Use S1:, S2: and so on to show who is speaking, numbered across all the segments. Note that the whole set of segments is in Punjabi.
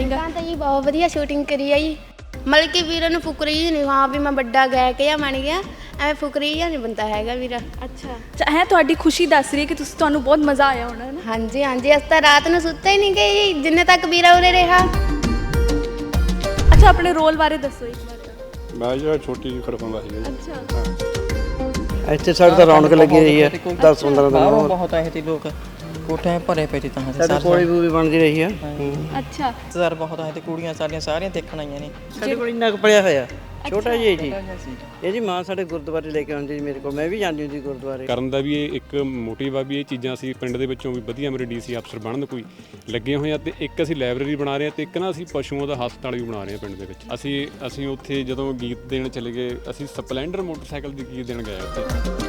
S1: ਅਕੋਰਡਿੰਗ?
S2: ਤਾਂ ਜੀ ਬਹੁਤ ਵਧੀਆ ਸ਼ੂਟਿੰਗ ਕਰੀ ਆ ਜੀ। ਮਤਲਬ ਕਿ ਵੀਰਾਂ ਨੂੰ ਫੁਕਰੀ ਨਹੀਂ, ਹਾਂ ਵੀ ਮੈਂ ਵੱਡਾ ਗਾਇਕ ਜਾਂ ਬਣ ਗਿਆ, ਐਵੇਂ ਫੁਕਰੀ ਜਾਂ ਨਹੀਂ ਬੰਦਾ ਹੈਗਾ ਵੀਰਾ।
S1: ਅੱਛਾ ਹੈ, ਤੁਹਾਡੀ ਖੁਸ਼ੀ ਦੱਸ ਰਹੀ ਹੈ ਕਿ ਤੁਹਾਨੂੰ ਬਹੁਤ ਮਜ਼ਾ ਆਇਆ ਹੋਣਾ ਹੈ ਨਾ?
S2: ਹਾਂਜੀ ਹਾਂਜੀ, ਅਸੀਂ ਤਾਂ ਰਾਤ ਨੂੰ ਸੁੱਤਾ ਹੀ ਨਹੀਂ ਗਏ ਜੀ ਜਿੰਨੇ ਤੱਕ ਵੀਰਾ ਉਰੇ ਰਿਹਾ।
S1: ਅੱਛਾ, ਆਪਣੇ ਰੋਲ ਬਾਰੇ ਦੱਸੋ ਇੱਕ ਵਾਰ ਤਾਂ।
S3: ਮੈਂ ਜਿਹੜਾ ਛੋਟੀ ਜਿਹੀ ਖੜਕਣ ਦਾ ਸੀਗਾ ਜੀ।
S1: ਅੱਛਾ,
S4: ਇੱਥੇ ਸਾਡੇ ਤਾਂ ਰੌਣਕ ਲੱਗੀ ਰਹੀ ਹੈ 10-15 ਦਿਨ।
S5: ਬਹੁਤ ਆਏ ਸੀ ਲੋਕ, ਕੋਠੇ ਭਰੇ ਪਏ ਸੀ ਤਾਂ
S4: ਸਾਡੇ ਕੋਲੀ ਵੀ ਬਣਦੀ ਰਹੀ ਆ।
S1: ਅੱਛਾ
S5: ਸਰ ਬਹੁਤ ਆਏ ਤੇ ਕੁੜੀਆਂ ਸਾਰੀਆਂ ਦੇਖਣ ਆਈਆਂ ਨੇ।
S4: ਸਾਡੇ ਕੋਲ ਇੰਨਾ ਕੁ ਪੜਿਆ ਹੋਇਆ ਛੋਟਾ ਜਿਹਾ ਜੀ। ਇਹ ਜੀ ਮਾਂ ਸਾਡੇ ਗੁਰਦੁਆਰੇ ਲੈ ਕੇ ਆਉਂਦੀ ਜੀ ਮੇਰੇ ਕੋਲ, ਮੈਂ ਵੀ ਜਾਂਦੀ ਹੁੰਦੀ ਗੁਰਦੁਆਰੇ।
S3: ਕਰਨ ਦਾ ਵੀ ਇਹ ਇੱਕ ਮੋਟਿਵ ਆ ਵੀ ਇਹ ਚੀਜ਼ਾਂ ਅਸੀਂ ਪਿੰਡ ਦੇ ਵਿੱਚੋਂ ਵੀ ਵਧੀਆ ਮੇਰੇ ਡੀਸੀ ਅਫਸਰ ਬਣਨ ਕੋਈ ਲੱਗੇ ਹੋਏ ਆ। ਤੇ ਇੱਕ ਅਸੀਂ ਲਾਇਬ੍ਰੇਰੀ ਬਣਾ ਰਹੇ ਆ ਤੇ ਇੱਕ ਨਾ ਅਸੀਂ ਪਸ਼ੂਆਂ ਦਾ ਹਸਪਤਾਲ ਵੀ ਬਣਾ ਰਹੇ ਆ ਪਿੰਡ ਦੇ ਵਿੱਚ। ਅਸੀਂ ਉੱਥੇ ਜਦੋਂ ਗੀਤ ਦੇਣ ਚਲੇ ਗਏ, ਅਸੀਂ ਸਪਲੈਂਡਰ ਮੋਟਰਸਾਈਕਲ ਦੀ ਗੀਤ ਦੇਣ ਗਏ ਉੱਥੇ।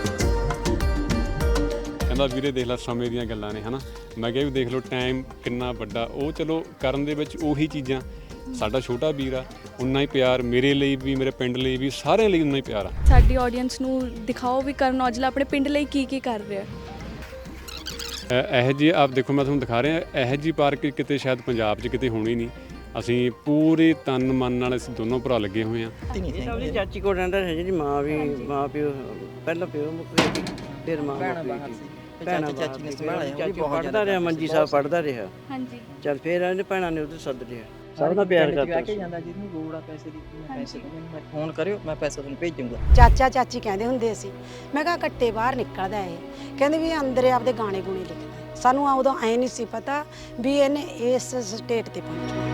S3: ਕਹਿੰਦਾ ਵੀਰੇ ਦੇਖ ਲੈ ਸਮੇਂ ਦੀਆਂ ਗੱਲਾਂ ਨੇ, ਹਨਾ। ਮੈਂ ਕਿਹਾ ਵੀ ਦੇਖ ਲਓ ਟਾਈਮ ਕਿੰਨਾ ਵੱਡਾ। ਉਹ ਚਲੋ ਕਰਨ ਦੇ ਵਿੱਚ ਉਹੀ ਚੀਜ਼ਾਂ, ਸਾਡਾ ਛੋਟਾ ਵੀਰ ਆ, ਉਨਾ ਹੀ ਪਿਆਰ ਮੇਰੇ ਲਈ ਵੀ, ਮੇਰੇ ਪਿੰਡ ਲਈ ਵੀ, ਸਾਰਿਆਂ ਲਈ ਉਨਾ ਹੀ ਪਿਆਰ ਆ।
S1: ਸਾਡੀ ਆਡੀਅנס ਨੂੰ ਦਿਖਾਓ ਵੀ ਕਰਨ ਔਜਲਾ ਆਪਣੇ ਪਿੰਡ ਲਈ ਕੀ ਕਰ ਰਿਹਾ।
S3: ਇਹੋ ਜਿਹੀ ਆਪ ਦੇਖੋ, ਮੈਂ ਤੁਹਾਨੂੰ ਦਿਖਾ ਰਿਹਾ, ਇਹੋ ਜਿਹੀ ਪਾਰਕ ਕਿਤੇ ਸ਼ਾਇਦ ਪੰਜਾਬ 'ਚ ਕਿਤੇ ਹੋਣੀ ਨਹੀਂ। ਅਸੀਂ ਪੂਰੇ ਤਨ ਮਨ ਨਾਲ ਅਸੀਂ ਦੋਨੋਂ ਭਰਾ ਲੱਗੇ ਹੋਏ ਹਾਂ।
S4: ਸਭ ਦੀ ਚਾਚੀ ਕੋਲ ਰਹਿੰਦਾ ਹੈ ਜੀ। ਮਾਂ ਪਿਓ ਪਹਿਲਾਂ ਪਿਓ ਮੁੱਕ ਗਏ, ਫਿਰ ਮਾਂ ਮੁੱਕ ਗਈ। ਭੈਣਾਂ ਚਾਚੀ ਨੇ ਸੰਭਾਲਿਆ, ਪੜ੍ਹਦਾ ਰਿਹਾ, ਮੰਜੀ ਸਾਹਿਬ ਪੜ੍ਹਦਾ ਰਿਹਾ।
S1: ਹਾਂਜੀ,
S4: ਚੱਲ ਫਿਰ ਇਹਨੇ ਭੈਣਾਂ ਨੇ ਉਹਦੇ ਸੱਦ ਲਿਆ। ਸਭ ਦਾ ਪਿਆਰ ਕਰਦਾ
S5: ਕੇ ਜਾਂਦਾ, ਜਿਹਨੂੰ ਲੋੜ ਆ ਪੈਸੇ ਦੀ, ਮੈਂ ਪੈਸੇ ਦਊਂਗਾ, ਫੋਨ ਕਰਿਓ ਮੈਂ ਪੈਸਾ ਤੁਹਾਨੂੰ ਭੇਜੂੰਗਾ।
S6: ਚਾਚਾ ਚਾਚੀ ਕਹਿੰਦੇ ਹੁੰਦੇ ਸੀ। ਮੈਂ ਕਿਹਾ ਕੱਟੇ ਬਾਹਰ ਨਿਕਲਦਾ ਇਹ, ਕਹਿੰਦੇ ਵੀ ਅੰਦਰ ਆਪਦੇ ਗਾਣੇ ਗੁਣੇ ਲਿਖਦਾ। ਸਾਨੂੰ ਉਦੋਂ ਐ ਨਹੀਂ ਸੀ ਪਤਾ ਵੀ ਇਹਨੇ ਇਸ ਸਟੇਟ ਤੇ ਪਹੁੰਚਣਾ।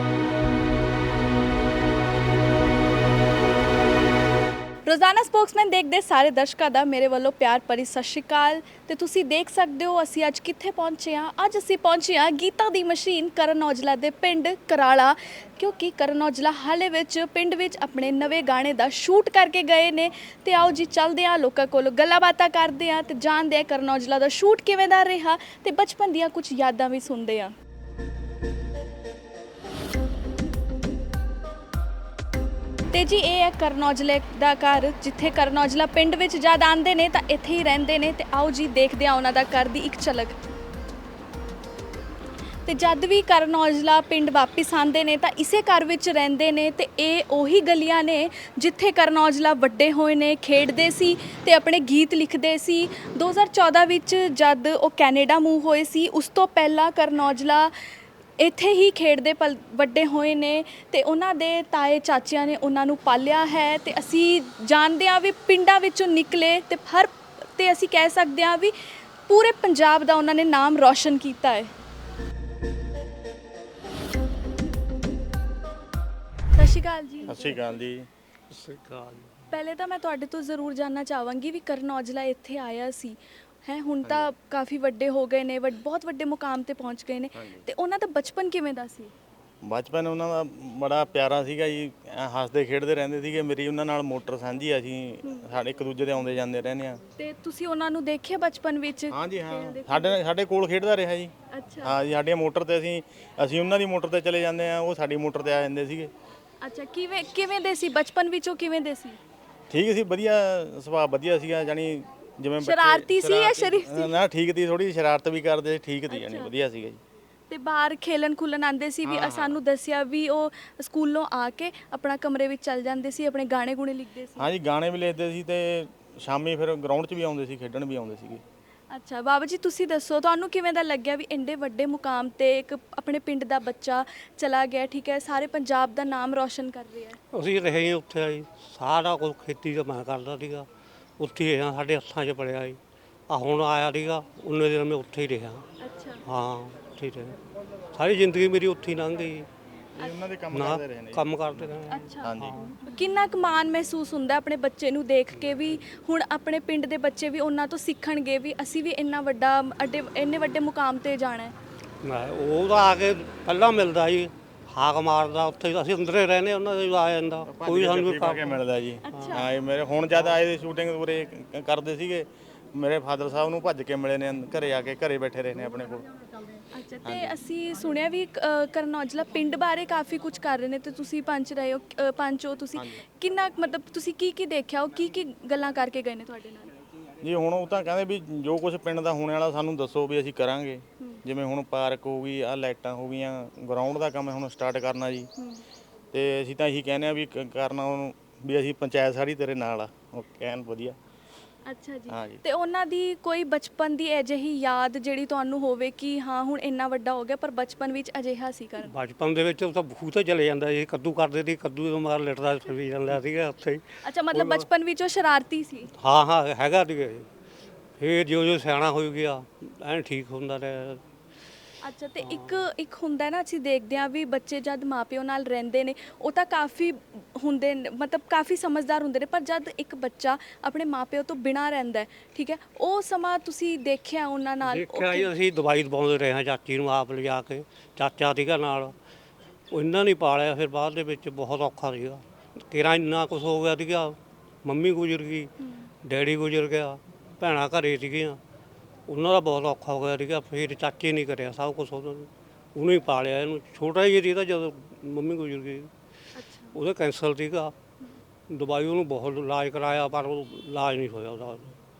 S1: ਰੋਜ਼ਾਨਾ ਸਪੋਕਸਮੈਨ ਦੇਖਦੇ ਸਾਰੇ ਦਰਸ਼ਕਾਂ ਦਾ ਮੇਰੇ ਵੱਲੋਂ ਪਿਆਰ ਭਰੀ ਸਤਿ ਸ਼੍ਰੀ ਅਕਾਲ। ਤੇ ਤੁਸੀਂ ਦੇਖ ਸਕਦੇ ਹੋ ਅਸੀਂ ਅੱਜ ਕਿੱਥੇ ਪਹੁੰਚੇ ਹਾਂ। ਅੱਜ ਅਸੀਂ ਪਹੁੰਚੇ ਹਾਂ ਗੀਤਾ ਦੀ ਮਸ਼ੀਨ ਕਰਨ ਔਜਲਾ ਦੇ ਪਿੰਡ ਕਰਾਲਾ, ਕਿਉਂਕਿ ਕਰਨ ਔਜਲਾ ਹਾਲੇ ਵਿੱਚ ਪਿੰਡ ਵਿੱਚ ਆਪਣੇ ਨਵੇਂ ਗਾਣੇ ਦਾ ਸ਼ੂਟ ਕਰਕੇ ਗਏ ਨੇ। ਤੇ ਆਓ ਜੀ ਚੱਲਦੇ ਹਾਂ, ਲੋਕਾਂ ਕੋਲੋਂ ਗੱਲਾਂ ਬਾਤਾਂ ਕਰਦੇ ਹਾਂ ਤੇ ਜਾਣਦੇ ਹਾਂ ਕਰਨ ਔਜਲਾ ਦਾ ਸ਼ੂਟ ਕਿਵੇਂ ਦਾ ਰਿਹਾ ਤੇ ਬਚਪਨ ਦੀਆਂ ਕੁਝ ਯਾਦਾਂ ਵੀ ਸੁਣਦੇ ਹਾਂ। ਤੇ ਜੀ ਇਹ ਹੈ ਕਰਨ ਔਜਲੇ ਦਾ ਘਰ, ਜਿੱਥੇ ਕਰਨ ਔਜਲਾ ਪਿੰਡ ਵਿੱਚ ਜਦ ਆਉਂਦੇ ਨੇ ਤਾਂ ਇੱਥੇ ਹੀ ਰਹਿੰਦੇ ਨੇ। ਤੇ ਆਓ ਜੀ ਦੇਖਦੇ ਹਾਂ ਉਹਨਾਂ ਦਾ ਘਰ ਦੀ ਇੱਕ ਝਲਕ। ਤੇ ਜਦ ਵੀ ਕਰਨ ਔਜਲਾ ਪਿੰਡ ਵਾਪਿਸ ਆਉਂਦੇ ਨੇ ਤਾਂ ਇਸੇ ਘਰ ਵਿੱਚ ਰਹਿੰਦੇ ਨੇ। ਤੇ ਇਹ ਉਹੀ ਗਲੀਆਂ ਨੇ ਜਿੱਥੇ ਕਰਨ ਔਜਲਾ ਵੱਡੇ ਹੋਏ ਨੇ, ਖੇਡਦੇ ਸੀ ਤੇ ਆਪਣੇ ਗੀਤ ਲਿਖਦੇ ਸੀ। 2014 ਵਿੱਚ ਜਦ ਉਹ ਕੈਨੇਡਾ ਮੂਵ ਹੋਏ ਸੀ, ਉਸ ਤੋਂ ਪਹਿਲਾਂ ਕਰਨ ਔਜਲਾ ਇੱਥੇ ਹੀ ਖੇਡਦੇ ਵੱਡੇ ਹੋਏ ਨੇ ਤੇ ਉਹਨਾਂ ਦੇ ਤਾਏ ਚਾਚਿਆਂ ਨੇ ਉਹਨਾਂ ਨੂੰ ਪਾਲਿਆ ਹੈ। ਤੇ ਅਸੀਂ ਜਾਣਦੇ ਹਾਂ ਵੀ ਪਿੰਡਾਂ ਵਿੱਚੋਂ ਨਿਕਲੇ ਤੇ ਅਸੀਂ ਕਹਿ ਸਕਦੇ ਹਾਂ ਵੀ ਪੂਰੇ ਪੰਜਾਬ ਦਾ ਉਹਨਾਂ ਨੇ ਨਾਮ ਰੌਸ਼ਨ ਕੀਤਾ ਹੈ। ਸਤਿ ਸ਼੍ਰੀ ਅਕਾਲ ਜੀ।
S7: ਸਤਿ ਸ਼੍ਰੀ ਅਕਾਲ ਜੀ।
S1: ਪਹਿਲੇ ਤਾਂ ਮੈਂ ਤੁਹਾਡੇ ਤੋਂ ਜ਼ਰੂਰ ਜਾਣਨਾ ਚਾਹਾਂਗੀ ਵੀ ਕਰਨ ਔਜਲਾ ਇੱਥੇ ਆਇਆ ਸੀ ਹੈ, ਹੁਣ ਤਾਂ ਕਾਫੀ ਵੱਡੇ ਹੋ ਗਏ ਨੇ, ਬਹੁਤ ਵੱਡੇ ਮੁਕਾਮ ਤੇ ਪਹੁੰਚ ਗਏ ਨੇ, ਤੇ ਉਹਨਾਂ ਦਾ ਬਚਪਨ ਕਿਵੇਂ ਦਾ ਸੀ?
S7: ਬਚਪਨ ਉਹਨਾਂ ਦਾ ਬੜਾ ਪਿਆਰਾ ਸੀਗਾ ਜੀ। ਹੱਸਦੇ ਖੇਡਦੇ ਰਹਿੰਦੇ ਸੀਗੇ। ਮੇਰੀ ਉਹਨਾਂ ਨਾਲ ਮੋਟਰ ਸਾਂਝੀ, ਅਸੀਂ ਸਾਡੇ ਇੱਕ ਦੂਜੇ ਦੇ ਆਉਂਦੇ ਜਾਂਦੇ ਰਹਿੰਦੇ ਆ।
S1: ਤੇ ਤੁਸੀਂ ਉਹਨਾਂ ਨੂੰ ਦੇਖਿਆ ਬਚਪਨ ਵਿੱਚ?
S7: ਹਾਂਜੀ ਹਾਂ, ਸਾਡੇ ਕੋਲ ਖੇਡਦਾ ਰਿਹਾ ਜੀ।
S1: ਅੱਛਾ
S7: ਹਾਂ ਜੀ, ਸਾਡੀਆਂ ਮੋਟਰ ਤੇ ਅਸੀਂ ਉਹਨਾਂ ਦੀ ਮੋਟਰ ਤੇ ਚਲੇ ਜਾਂਦੇ ਆ, ਉਹ ਸਾਡੀ ਮੋਟਰ ਤੇ ਆ ਜਾਂਦੇ ਸੀਗੇ।
S1: ਅੱਛਾ, ਕਿਵੇਂ ਦੇ ਸੀ ਬਚਪਨ ਵਿੱਚ? ਉਹ ਕਿਵੇਂ ਦੇ ਸੀ?
S7: ਠੀਕ ਸੀ, ਵਧੀਆ ਸੁਭਾਅ ਵਧੀਆ ਸੀਗਾ। ਜਾਨੀ ਜਿਵੇਂ
S1: ਸ਼ਰਾਰਤੀ ਸੀ ਜਾਂ ਸ਼ਰੀਫ ਸੀ?
S7: ਨਾ, ਠੀਕ ਸੀ, ਥੋੜੀ ਸ਼ਰਾਰਤ ਵੀ ਕਰਦੇ ਸੀ, ਠੀਕ ਸੀ, ਜਾਨੀ ਵਧੀਆ ਸੀਗਾ ਜੀ।
S1: ਤੇ ਬਾਹਰ ਖੇਲਣ ਖੁੱਲਣ ਆਉਂਦੇ ਸੀ ਵੀ? ਸਾਨੂੰ ਦੱਸਿਆ ਵੀ ਉਹ ਸਕੂਲੋਂ ਆ ਕੇ ਆਪਣਾ ਕਮਰੇ ਵਿੱਚ ਚੱਲ ਜਾਂਦੇ ਸੀ, ਆਪਣੇ ਗਾਣੇ ਗੁਣੇ ਲਿਖਦੇ ਸੀ?
S7: ਹਾਂਜੀ, ਗਾਣੇ ਵੀ ਲਿਖਦੇ ਸੀ ਤੇ ਸ਼ਾਮੀ ਫਿਰ ਗਰਾਊਂਡ 'ਚ ਵੀ ਆਉਂਦੇ ਸੀ, ਖੇਡਣ ਵੀ ਆਉਂਦੇ ਸੀਗੇ।
S1: ਅੱਛਾ ਬਾਬਾ ਜੀ, ਤੁਸੀਂ ਦੱਸੋ ਤੁਹਾਨੂੰ ਕਿਵੇਂ ਦਾ ਲੱਗਿਆ ਵੀ ਇੰਨੇ ਵੱਡੇ ਮੁਕਾਮ ਤੇ ਇੱਕ ਆਪਣੇ ਪਿੰਡ ਦਾ ਬੱਚਾ ਚਲਾ ਗਿਆ, ਠੀਕ ਹੈ, ਸਾਰੇ ਪੰਜਾਬ ਦਾ ਨਾਮ ਰੌਸ਼ਨ ਕਰ ਰਿਹਾ ਹੈ?
S8: ਅਸੀਂ ਰਹੇ ਉੱਥੇ ਆਈ, ਸਾਰਾ ਕੁਝ ਖੇਤੀ ਦਾ ਮੈਂ ਕਰਦਾ ਸੀਗਾ, ਉੱਥੇ ਹੀ ਰਿਹਾ, ਸਾਡੇ ਹੱਥਾਂ 'ਚ ਪੜਿਆ ਜੀ। ਆ ਹੁਣ ਆਇਆ ਸੀਗਾ, ਉਹਨੇ ਦਿਨ ਮੈਂ ਉੱਥੇ ਹੀ ਰਿਹਾ।
S1: ਅੱਛਾ,
S8: ਹਾਂ ਉੱਥੇ ਹੀ ਰਿਹਾ, ਸਾਰੀ ਜ਼ਿੰਦਗੀ ਮੇਰੀ ਉੱਥੇ ਹੀ ਲੰਘ ਗਈ।
S7: ਉਹਨਾਂ ਦੇ ਕੰਮ ਕਰਦੇ ਰਹੇ ਨੇ।
S8: ਕੰਮ ਕਰਦੇ ਰਹੇ।
S1: ਅੱਛਾ,
S7: ਹਾਂਜੀ।
S1: ਕਿੰਨਾ ਕੁ ਮਾਣ ਮਹਿਸੂਸ ਹੁੰਦਾ ਆਪਣੇ ਬੱਚੇ ਨੂੰ ਦੇਖ ਕੇ ਵੀ ਹੁਣ ਆਪਣੇ ਪਿੰਡ ਦੇ ਬੱਚੇ ਵੀ ਉਹਨਾਂ ਤੋਂ ਸਿੱਖਣਗੇ ਵੀ ਅਸੀਂ ਵੀ ਇੰਨਾ ਵੱਡਾ ਇੰਨੇ ਵੱਡੇ ਮੁਕਾਮ ਤੇ ਜਾਣਾ ਹੈ?
S8: ਮੈਂ ਉਹ ਤਾਂ ਆ ਕੇ ਪਹਿਲਾਂ ਮਿਲਦਾ ਜੀ, ਹਾਕ ਮਾਰਦਾ, ਉੱਥੇ ਅਸੀਂ ਅੰਦਰੇ ਰਹਿੰਦੇ, ਉਹਨਾਂ ਦੇ ਆ ਜਾਂਦਾ, ਕੋਈ ਸਾਨੂੰ
S7: ਪਾ ਕੇ ਮਿਲਦਾ ਜੀ। ਹਾਂ, ਇਹ ਮੇਰੇ ਹੁਣ ਜਦ ਆਏ ਸ਼ੂਟਿੰਗ ਪੂਰੇ ਕਰਦੇ ਸੀਗੇ, ਮੇਰੇ ਫਾਦਰ ਸਾਹਿਬ ਨੂੰ ਭੱਜ ਕੇ ਮਿਲੇ ਨੇ, ਘਰੇ ਆ ਕੇ ਘਰੇ ਬੈਠੇ ਰਹੇ ਨੇ ਆਪਣੇ ਕੋਲ।
S1: ਅੱਛਾ, ਤੇ ਅਸੀਂ ਸੁਣਿਆ ਵੀ ਕਰਨ ਔਜਲਾ ਪਿੰਡ ਬਾਰੇ ਕਾਫੀ ਕੁਝ ਕਰ ਰਹੇ ਨੇ ਤੇ ਤੁਸੀਂ ਪੰਚ ਰਹੇ ਹੋ, ਪੰਚ ਹੋ ਤੁਸੀਂ, ਕਿੰਨਾ ਮਤਲਬ ਤੁਸੀਂ ਕੀ ਦੇਖਿਆ, ਉਹ ਕੀ ਗੱਲਾਂ ਕਰਕੇ ਗਏ ਨੇ ਤੁਹਾਡੇ ਨਾਲ?
S7: ਜੀ ਹੁਣ ਉਹ ਤਾਂ ਕਹਿੰਦੇ ਵੀ ਜੋ ਕੁਝ ਪਿੰਡ ਦਾ ਹੋਣੇ ਵਾਲਾ ਸਾਨੂੰ ਦੱਸੋ ਵੀ ਅਸੀਂ ਕਰਾਂਗੇ। ਜਿਵੇਂ ਹੁਣ ਪਾਰਕ ਹੋ ਗਈ, ਆ ਲਾਈਟਾਂ ਹੋ ਗਈਆਂ, ਗਰਾਊਂਡ ਦਾ ਕੰਮ ਹੁਣ ਸਟਾਰਟ ਕਰਨਾ ਜੀ। ਤੇ ਅਸੀਂ ਤਾਂ ਇਹੀ ਕਹਿੰਦੇ ਆ ਵੀ ਕਰਨਾ ਉਹਨੂੰ ਵੀ ਅਸੀਂ ਪੰਚਾਇਤ ਸਾਰੀ ਤੇਰੇ ਨਾਲ ਆ, ਉਹ ਕਹਿਣ ਵਧੀਆ।
S1: ਅੱਛਾ ਜੀ।
S7: ਹਾਂ ਜੀ।
S1: ਤੇ ਉਹਨਾਂ ਦੀ ਕੋਈ ਬਚਪਨ ਦੀ ਅਜਿਹੀ ਯਾਦ ਜਿਹੜੀ ਤੁਹਾਨੂੰ ਹੋਵੇ ਕਿ ਹਾਂ ਹੁਣ ਇੰਨਾ ਵੱਡਾ ਹੋ ਗਿਆ ਪਰ ਬਚਪਨ ਵਿੱਚ ਅਜਿਹਾ ਸੀ ਕਰਨ?
S8: ਬਚਪਨ ਦੇ ਵਿੱਚ ਉਹ ਤਾਂ ਖੂਹ ਤੇ ਚਲੇ ਜਾਂਦਾ ਸੀ, ਕੱਦੂ ਕਰਦੇ ਸੀ, ਕੱਦੂ ਤੋਂ ਮਾਰ ਲਿਟਦਾ ਫਿਰੀ ਜਾਂਦਾ ਸੀਗਾ ਉੱਥੇ ਹੀ।
S1: ਅੱਛਾ, ਮਤਲਬ ਬਚਪਨ ਵਿੱਚ ਉਹ ਸ਼ਰਾਰਤੀ ਸੀ।
S8: ਹਾਂ ਹਾਂ ਹੈਗਾ ਸੀਗਾ ਜੀ। ਫਿਰ ਜਿਉਂ ਸਿਆਣਾ ਹੋ ਗਿਆ ਐਨ ਠੀਕ ਹੁੰਦਾ ਰਿਹਾ।
S1: ਅੱਛਾ, ਤੇ ਇੱਕ ਹੁੰਦਾ ਨਾ, ਅਸੀਂ ਦੇਖਦੇ ਹਾਂ ਵੀ ਬੱਚੇ ਜਦ ਮਾਪਿਓ ਨਾਲ ਰਹਿੰਦੇ ਨੇ ਉਹ ਤਾਂ ਕਾਫੀ ਹੁੰਦੇ ਨੇ, ਮਤਲਬ ਕਾਫੀ ਸਮਝਦਾਰ ਹੁੰਦੇ ਨੇ, ਪਰ ਜਦ ਇੱਕ ਬੱਚਾ ਆਪਣੇ ਮਾਪਿਓ ਤੋਂ ਬਿਨਾਂ ਰਹਿੰਦਾ ਹੈ, ਠੀਕ ਹੈ, ਉਹ ਸਮਾਂ ਤੁਸੀਂ ਦੇਖਿਆ ਉਹਨਾਂ ਨਾਲ?
S8: ਦੇਖਿਆ ਜੀ, ਅਸੀਂ ਦਵਾਈ ਦਵਾਉਂਦੇ ਰਹੇ ਹਾਂ ਚਾਚੀ ਨੂੰ ਆਪ ਲਿਜਾ ਕੇ, ਚਾਚਾ ਸੀਗਾ ਨਾਲ, ਉਹ ਇਹਨਾਂ ਨੇ ਪਾਲਿਆ। ਫਿਰ ਬਾਅਦ ਦੇ ਵਿੱਚ ਬਹੁਤ ਔਖਾ ਸੀਗਾ, ਕਿਹੜਾ ਇੰਨਾ ਕੁਛ ਹੋ ਗਿਆ ਸੀਗਾ। ਮੰਮੀ ਗੁਜ਼ਰ ਗਈ, ਡੈਡੀ ਗੁਜ਼ਰ ਗਿਆ, ਭੈਣਾਂ ਘਰੇ ਸੀਗੀਆਂ, ਉਹਨਾਂ ਦਾ ਬਹੁਤ ਔਖਾ ਹੋ ਗਿਆ ਸੀਗਾ। ਫਿਰ ਚਾਚੇ ਨਹੀਂ ਕਰਿਆ ਸਭ ਕੁਛ, ਉਹਨੇ ਹੀ ਪਾਲਿਆ ਇਹਨੂੰ। ਛੋਟਾ ਹੀ ਸੀ ਤਾਂ ਜਦੋਂ ਮੰਮੀ ਗੁਜ਼ਰ ਗਈ, ਉਹਦਾ ਕੈਂਸਰ ਸੀਗਾ, ਦਵਾਈ ਉਹਨੂੰ ਬਹੁਤ ਇਲਾਜ ਕਰਾਇਆ ਪਰ ਉਹ ਇਲਾਜ ਨਹੀਂ ਹੋਇਆ ਉਹਦਾ।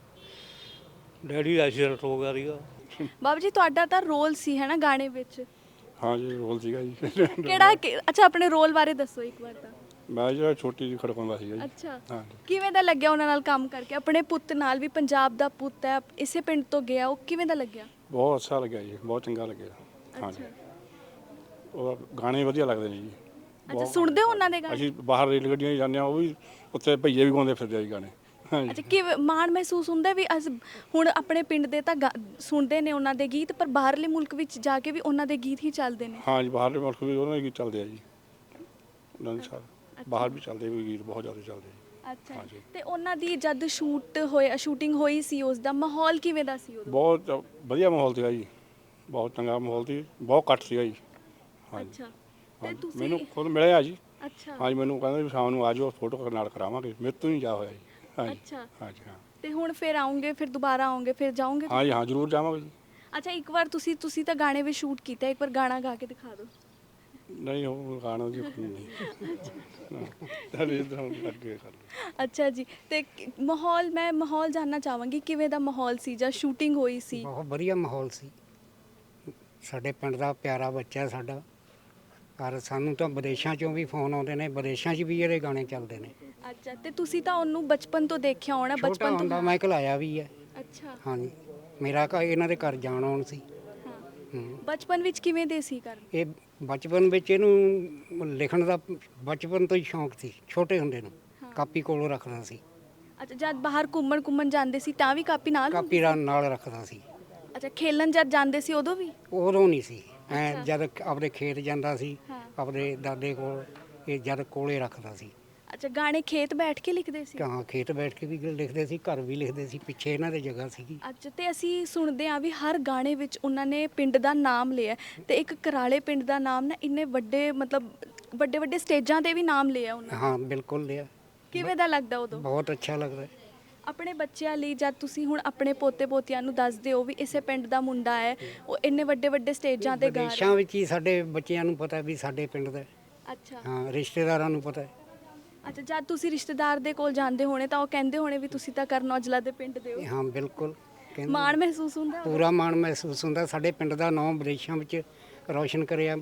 S8: ਡੈਡੀ ਦਾ ਐਕਸੀਡੈਂਟ ਹੋ ਗਿਆ ਸੀਗਾ।
S1: ਬਾਬਾ ਜੀ, ਤੁਹਾਡਾ ਤਾਂ ਰੋਲ ਸੀ ਹੈ ਨਾ ਗਾਣੇ ਵਿੱਚ?
S9: ਹਾਂ ਜੀ, ਰੋਲ ਸੀਗਾ ਜੀ।
S1: ਕਿਹੜਾ ਅੱਛਾ, ਆਪਣੇ ਰੋਲ ਬਾਰੇ ਦੱਸੋ ਇੱਕ ਵਾਰ ਤਾਂ।
S9: ਮੈਂ ਜਿਹੜਾ ਛੋਟੀ ਜਿਹੀ ਖੜਕਾਉਂਦਾ ਸੀਗਾ ਜੀ।
S1: ਅੱਛਾ,
S9: ਹਾਂ।
S1: ਕਿਵੇਂ ਦਾ ਲੱਗਿਆ ਉਹਨਾਂ ਨਾਲ ਕੰਮ ਕਰਕੇ? ਆਪਣੇ ਪੁੱਤ ਨਾਲ ਵੀ, ਪੰਜਾਬ ਦਾ ਪੁੱਤ ਹੈ, ਇਸੇ ਪਿੰਡ ਤੋਂ ਗਿਆ, ਉਹ ਕਿਵੇਂ ਦਾ ਲੱਗਿਆ?
S9: ਬਹੁਤ ਅੱਛਾ ਲੱਗਿਆ ਜੀ, ਬਹੁਤ ਚੰਗਾ ਲੱਗਿਆ। ਹਾਂ ਜੀ, ਉਹ ਗਾਣੇ ਵਧੀਆ ਲੱਗਦੇ ਨੇ ਜੀ।
S1: ਅੱਛਾ, ਸੁਣਦੇ ਹੋ ਉਹਨਾਂ ਦੇ ਗਾਣੇ?
S9: ਅਸੀਂ ਬਾਹਰ ਰੇਲ ਗੱਡੀਆਂ 'ਚ ਜਾਂਦੇ ਹਾਂ, ਉਹ ਵੀ ਉੱਥੇ ਭਈਏ ਵੀ ਗਾਉਂਦੇ ਫਿਰਦੇ ਆ ਜੀ ਗਾਣੇ। ਹਾਂ ਜੀ।
S1: ਅੱਛਾ, ਕਿਵੇਂ ਮਾਣ ਮਹਿਸੂਸ ਹੁੰਦਾ ਵੀ ਹੁਣ ਆਪਣੇ ਪਿੰਡ ਦੇ ਤਾਂ ਸੁਣਦੇ ਨੇ ਉਹਨਾਂ ਦੇ ਗੀਤ, ਪਰ ਬਾਹਰਲੇ ਮੁਲਕ ਵਿੱਚ ਜਾ ਕੇ ਵੀ ਉਹਨਾਂ ਦੇ ਗੀਤ ਹੀ ਚੱਲਦੇ ਨੇ?
S9: ਹਾਂ ਜੀ, ਬਾਹਰਲੇ ਮੁਲਕ ਵੀ ਉਹਨਾਂ ਦੇ ਗੀਤ ਚੱਲਦੇ ਆ ਜੀ। ਉਹਨਾਂ ਦੇ ਸਾਰੇ ਬਾਹਰ ਵੀ ਚੱਲਦੇ, ਵੀ ਗੀਤ ਬਹੁਤ ਜ਼ਿਆਦਾ ਚੱਲਦੇ ਜੀ।
S1: ਅੱਛਾ, ਤੇ ਉਹਨਾਂ ਦੀ ਜਦ ਸ਼ੂਟਿੰਗ ਹੋਈ ਸੀ, ਉਸ ਦਾ ਮਾਹੌਲ ਕਿਵੇਂ ਦਾ ਸੀ ਉਦੋਂ?
S9: ਬਹੁਤ ਵਧੀਆ ਮਾਹੌਲ ਸੀਗਾ ਜੀ, ਬਹੁਤ ਚੰਗਾ ਮਾਹੌਲ ਸੀ, ਬਹੁਤ ਘੱਟ ਸੀਗਾ ਜੀ। ਹਾਂ ਜੀ।
S1: ਅੱਛਾ, ਤੇ ਤੁਸੀਂ?
S9: ਮੈਨੂੰ ਖੁਦ ਮਿਲਿਆ ਜੀ।
S1: ਅੱਛਾ।
S9: ਹਾਂ ਜੀ, ਮੈਨੂੰ ਕਹਿੰਦਾ ਵੀ ਸ਼ਾਮ ਨੂੰ ਆ ਜਾਓ, ਫੋਟੋ ਨਾਲ ਕਰਾਵਾਂਗੇ। ਮੇਰੇ ਤੋਂ ਨਹੀਂ ਜਾ ਹੋਇਆ ਜੀ। ਹਾਂ ਜੀ।
S1: ਅੱਛਾ।
S9: ਹਾਂ ਜੀ, ਹਾਂ।
S1: ਤੇ ਹੁਣ ਫਿਰ ਆਉਂਗੇ, ਫਿਰ ਦੁਬਾਰਾ ਆਉਂਗੇ, ਫਿਰ ਜਾਓਗੇ?
S9: ਹਾਂ ਜੀ, ਹਾਂ, ਜ਼ਰੂਰ ਜਾਵਾਂਗੇ ਜੀ।
S1: ਅੱਛਾ, ਇੱਕ ਵਾਰ ਤੁਸੀਂ ਤਾਂ ਗਾਣੇ ਵੀ ਸ਼ੂਟ ਕੀਤਾ, ਇੱਕ ਵਾਰ ਗਾਣਾ ਗਾ ਕੇ ਦਿਖਾ ਦਿਓ।
S9: ਨਹੀਂ, ਉਹ ਗਾਣਾ ਜੀ ਨਹੀਂ। ਚੱਲ ਇਧਰ ਅੱਗੇ ਕਰ ਲਓ।
S1: ਅੱਛਾ ਜੀ, ਤੇ ਮੈਂ ਮਾਹੌਲ ਜਾਨਣਾ ਚਾਹਾਂਗੀ, ਕਿਵੇਂ ਦਾ ਮਾਹੌਲ ਸੀ ਜਦ ਸ਼ੂਟਿੰਗ ਹੋਈ ਸੀ?
S10: ਬਹੁਤ ਵਧੀਆ ਮਾਹੌਲ ਸੀ। ਸਾਡੇ ਪਿੰਡ ਦਾ ਪਿਆਰਾ ਬੱਚਾ ਸਾਡਾ, ਔਰ ਸਾਨੂੰ ਤਾਂ ਵਿਦੇਸ਼ਾਂ 'ਚੋਂ ਵੀ ਫੋਨ ਆਉਂਦੇ ਨੇ, ਵਿਦੇਸ਼ਾਂ 'ਚ ਵੀ ਇਹਦੇ ਗਾਣੇ ਚੱਲਦੇ ਨੇ।
S1: ਅੱਛਾ, ਤੇ ਤੁਸੀਂ ਤਾਂ ਉਹਨੂੰ ਬਚਪਨ ਤੋਂ ਦੇਖਿਆ ਹੋਣਾ?
S10: ਛੋਟਾ
S1: ਬਚਪਨ
S10: ਹੁੰਦਾ
S1: ਤੋਂ?
S10: ਮੈਂ ਘਲਾਇਆ ਵੀ ਹੈ।
S1: ਅੱਛਾ।
S10: ਹਾਂਜੀ, ਮੇਰਾ ਇਹਨਾਂ ਦੇ ਘਰ ਜਾਣ ਆਉਣ ਸੀ।
S1: ਬਚਪਨ ਵਿੱਚ ਕਿਵੇਂ ਦੇ ਸੀ ਕਰਨ?
S10: ਇਹ ਬਚਪਨ ਵਿੱਚ ਇਹਨੂੰ ਲਿਖਣ ਦਾ ਬਚਪਨ ਤੋਂ ਹੀ ਸ਼ੌਂਕ ਸੀ, ਛੋਟੇ ਹੁੰਦੇ ਨੂੰ ਕਾਪੀ ਕੋਲੋਂ ਰੱਖਦਾ ਸੀ।
S1: ਅੱਛਾ, ਜਦ ਬਾਹਰ ਘੁੰਮਣ ਜਾਂਦੇ ਸੀ ਤਾਂ ਵੀ ਕਾਪੀ ਨਾਲ?
S10: ਕਾਪੀ ਨਾਲ ਰੱਖਦਾ ਸੀ।
S1: ਅੱਛਾ, ਖੇਲਣ ਜਦ ਜਾਂਦੇ ਸੀ ਉਦੋਂ ਵੀ?
S10: ਉਦੋਂ ਨਹੀਂ ਸੀ, ਜਦ ਆਪਣੇ ਖੇਤ ਜਾਂਦਾ ਸੀ ਆਪਣੇ ਦਾਦੇ ਕੋਲ, ਇਹ ਜਦ ਕੋਲੇ ਰੱਖਦਾ ਸੀ।
S1: ਅੱਛਾ, ਗਾਣੇ ਖੇਤ ਬੈਠ ਕੇ ਲਿਖਦੇ ਸੀ?
S10: ਹਾਂ, ਖੇਤ ਬੈਠ ਕੇ ਵੀ ਲਿਖਦੇ ਸੀ, ਘਰ ਵੀ ਲਿਖਦੇ ਸੀ, ਪਿੱਛੇ ਇਹਨਾਂ ਦੇ ਜਗ੍ਹਾ ਸੀਗੀ।
S1: ਅੱਛਾ, ਤੇ ਅਸੀਂ ਸੁਣਦੇ ਹਾਂ ਵੀ ਹਰ ਗਾਣੇ ਵਿੱਚ ਉਹਨਾਂ ਨੇ ਪਿੰਡ ਦਾ ਨਾਮ ਲਿਆ, ਤੇ ਇੱਕ ਕਰਾਲੇ ਪਿੰਡ ਦਾ ਨਾਮ ਨਾ ਇੰਨੇ ਵੱਡੇ, ਮਤਲਬ ਵੱਡੇ ਸਟੇਜਾਂ ਤੇ ਵੀ ਨਾਮ ਲਿਆ ਉਹਨਾਂ ਨੇ।
S10: ਹਾਂ, ਬਿਲਕੁਲ ਲਿਆ।
S1: ਕਿਵੇਂ ਦਾ ਲੱਗਦਾ ਉਦੋਂ?
S10: ਬਹੁਤ ਅੱਛਾ ਲੱਗਦਾ।
S1: ਆਪਣੇ ਬੱਚਿਆਂ ਲਈ ਜਦ ਤੁਸੀਂ ਹੁਣ ਆਪਣੇ ਪੋਤੇ ਪੋਤੀਆਂ ਨੂੰ ਦੱਸਦੇ ਹੋ ਵੀ ਇਸੇ ਪਿੰਡ ਦਾ ਮੁੰਡਾ ਹੈ, ਉਹ ਇੰਨੇ ਵੱਡੇ ਸਟੇਜਾਂ ਤੇ ਗਾ ਰਿਹਾ?
S10: ਵਿਦੇਸ਼ਾਂ ਵਿੱਚ ਹੀ ਸਾਡੇ ਬੱਚਿਆਂ ਨੂੰ ਪਤਾ ਵੀ ਸਾਡੇ ਪਿੰਡ ਦਾ।
S1: ਅੱਛਾ।
S10: ਹਾਂ, ਰਿਸ਼ਤੇਦਾਰਾਂ ਨੂੰ ਪਤਾ ਹੈ।
S1: ਅੱਛਾ, ਜਦ ਤੁਸੀਂ ਰਿਸ਼ਤੇਦਾਰ ਦੇ ਕੋਲ ਜਾਂਦੇ ਹੋਣੇ ਤਾਂ ਉਹ ਕਹਿੰਦੇ ਹੋਣੇ ਵੀ ਤੁਸੀਂ ਤਾਂ ਕਰਨ ਔਜਲਾ ਦੇ ਪਿੰਡ ਦੇ ਹੋ?
S10: ਹਾਂ, ਬਿਲਕੁਲ।
S1: ਮਾਣ ਮਹਿਸੂਸ ਹੁੰਦਾ?
S10: ਪੂਰਾ ਮਾਣ ਮਹਿਸੂਸ ਹੁੰਦਾ। ਸਾਡੇ ਪਿੰਡ ਦਾ ਨਾਮ ਵਿਦੇਸ਼ਾਂ ਵਿੱਚ ਰੌਸ਼ਨ ਕਰਿਆ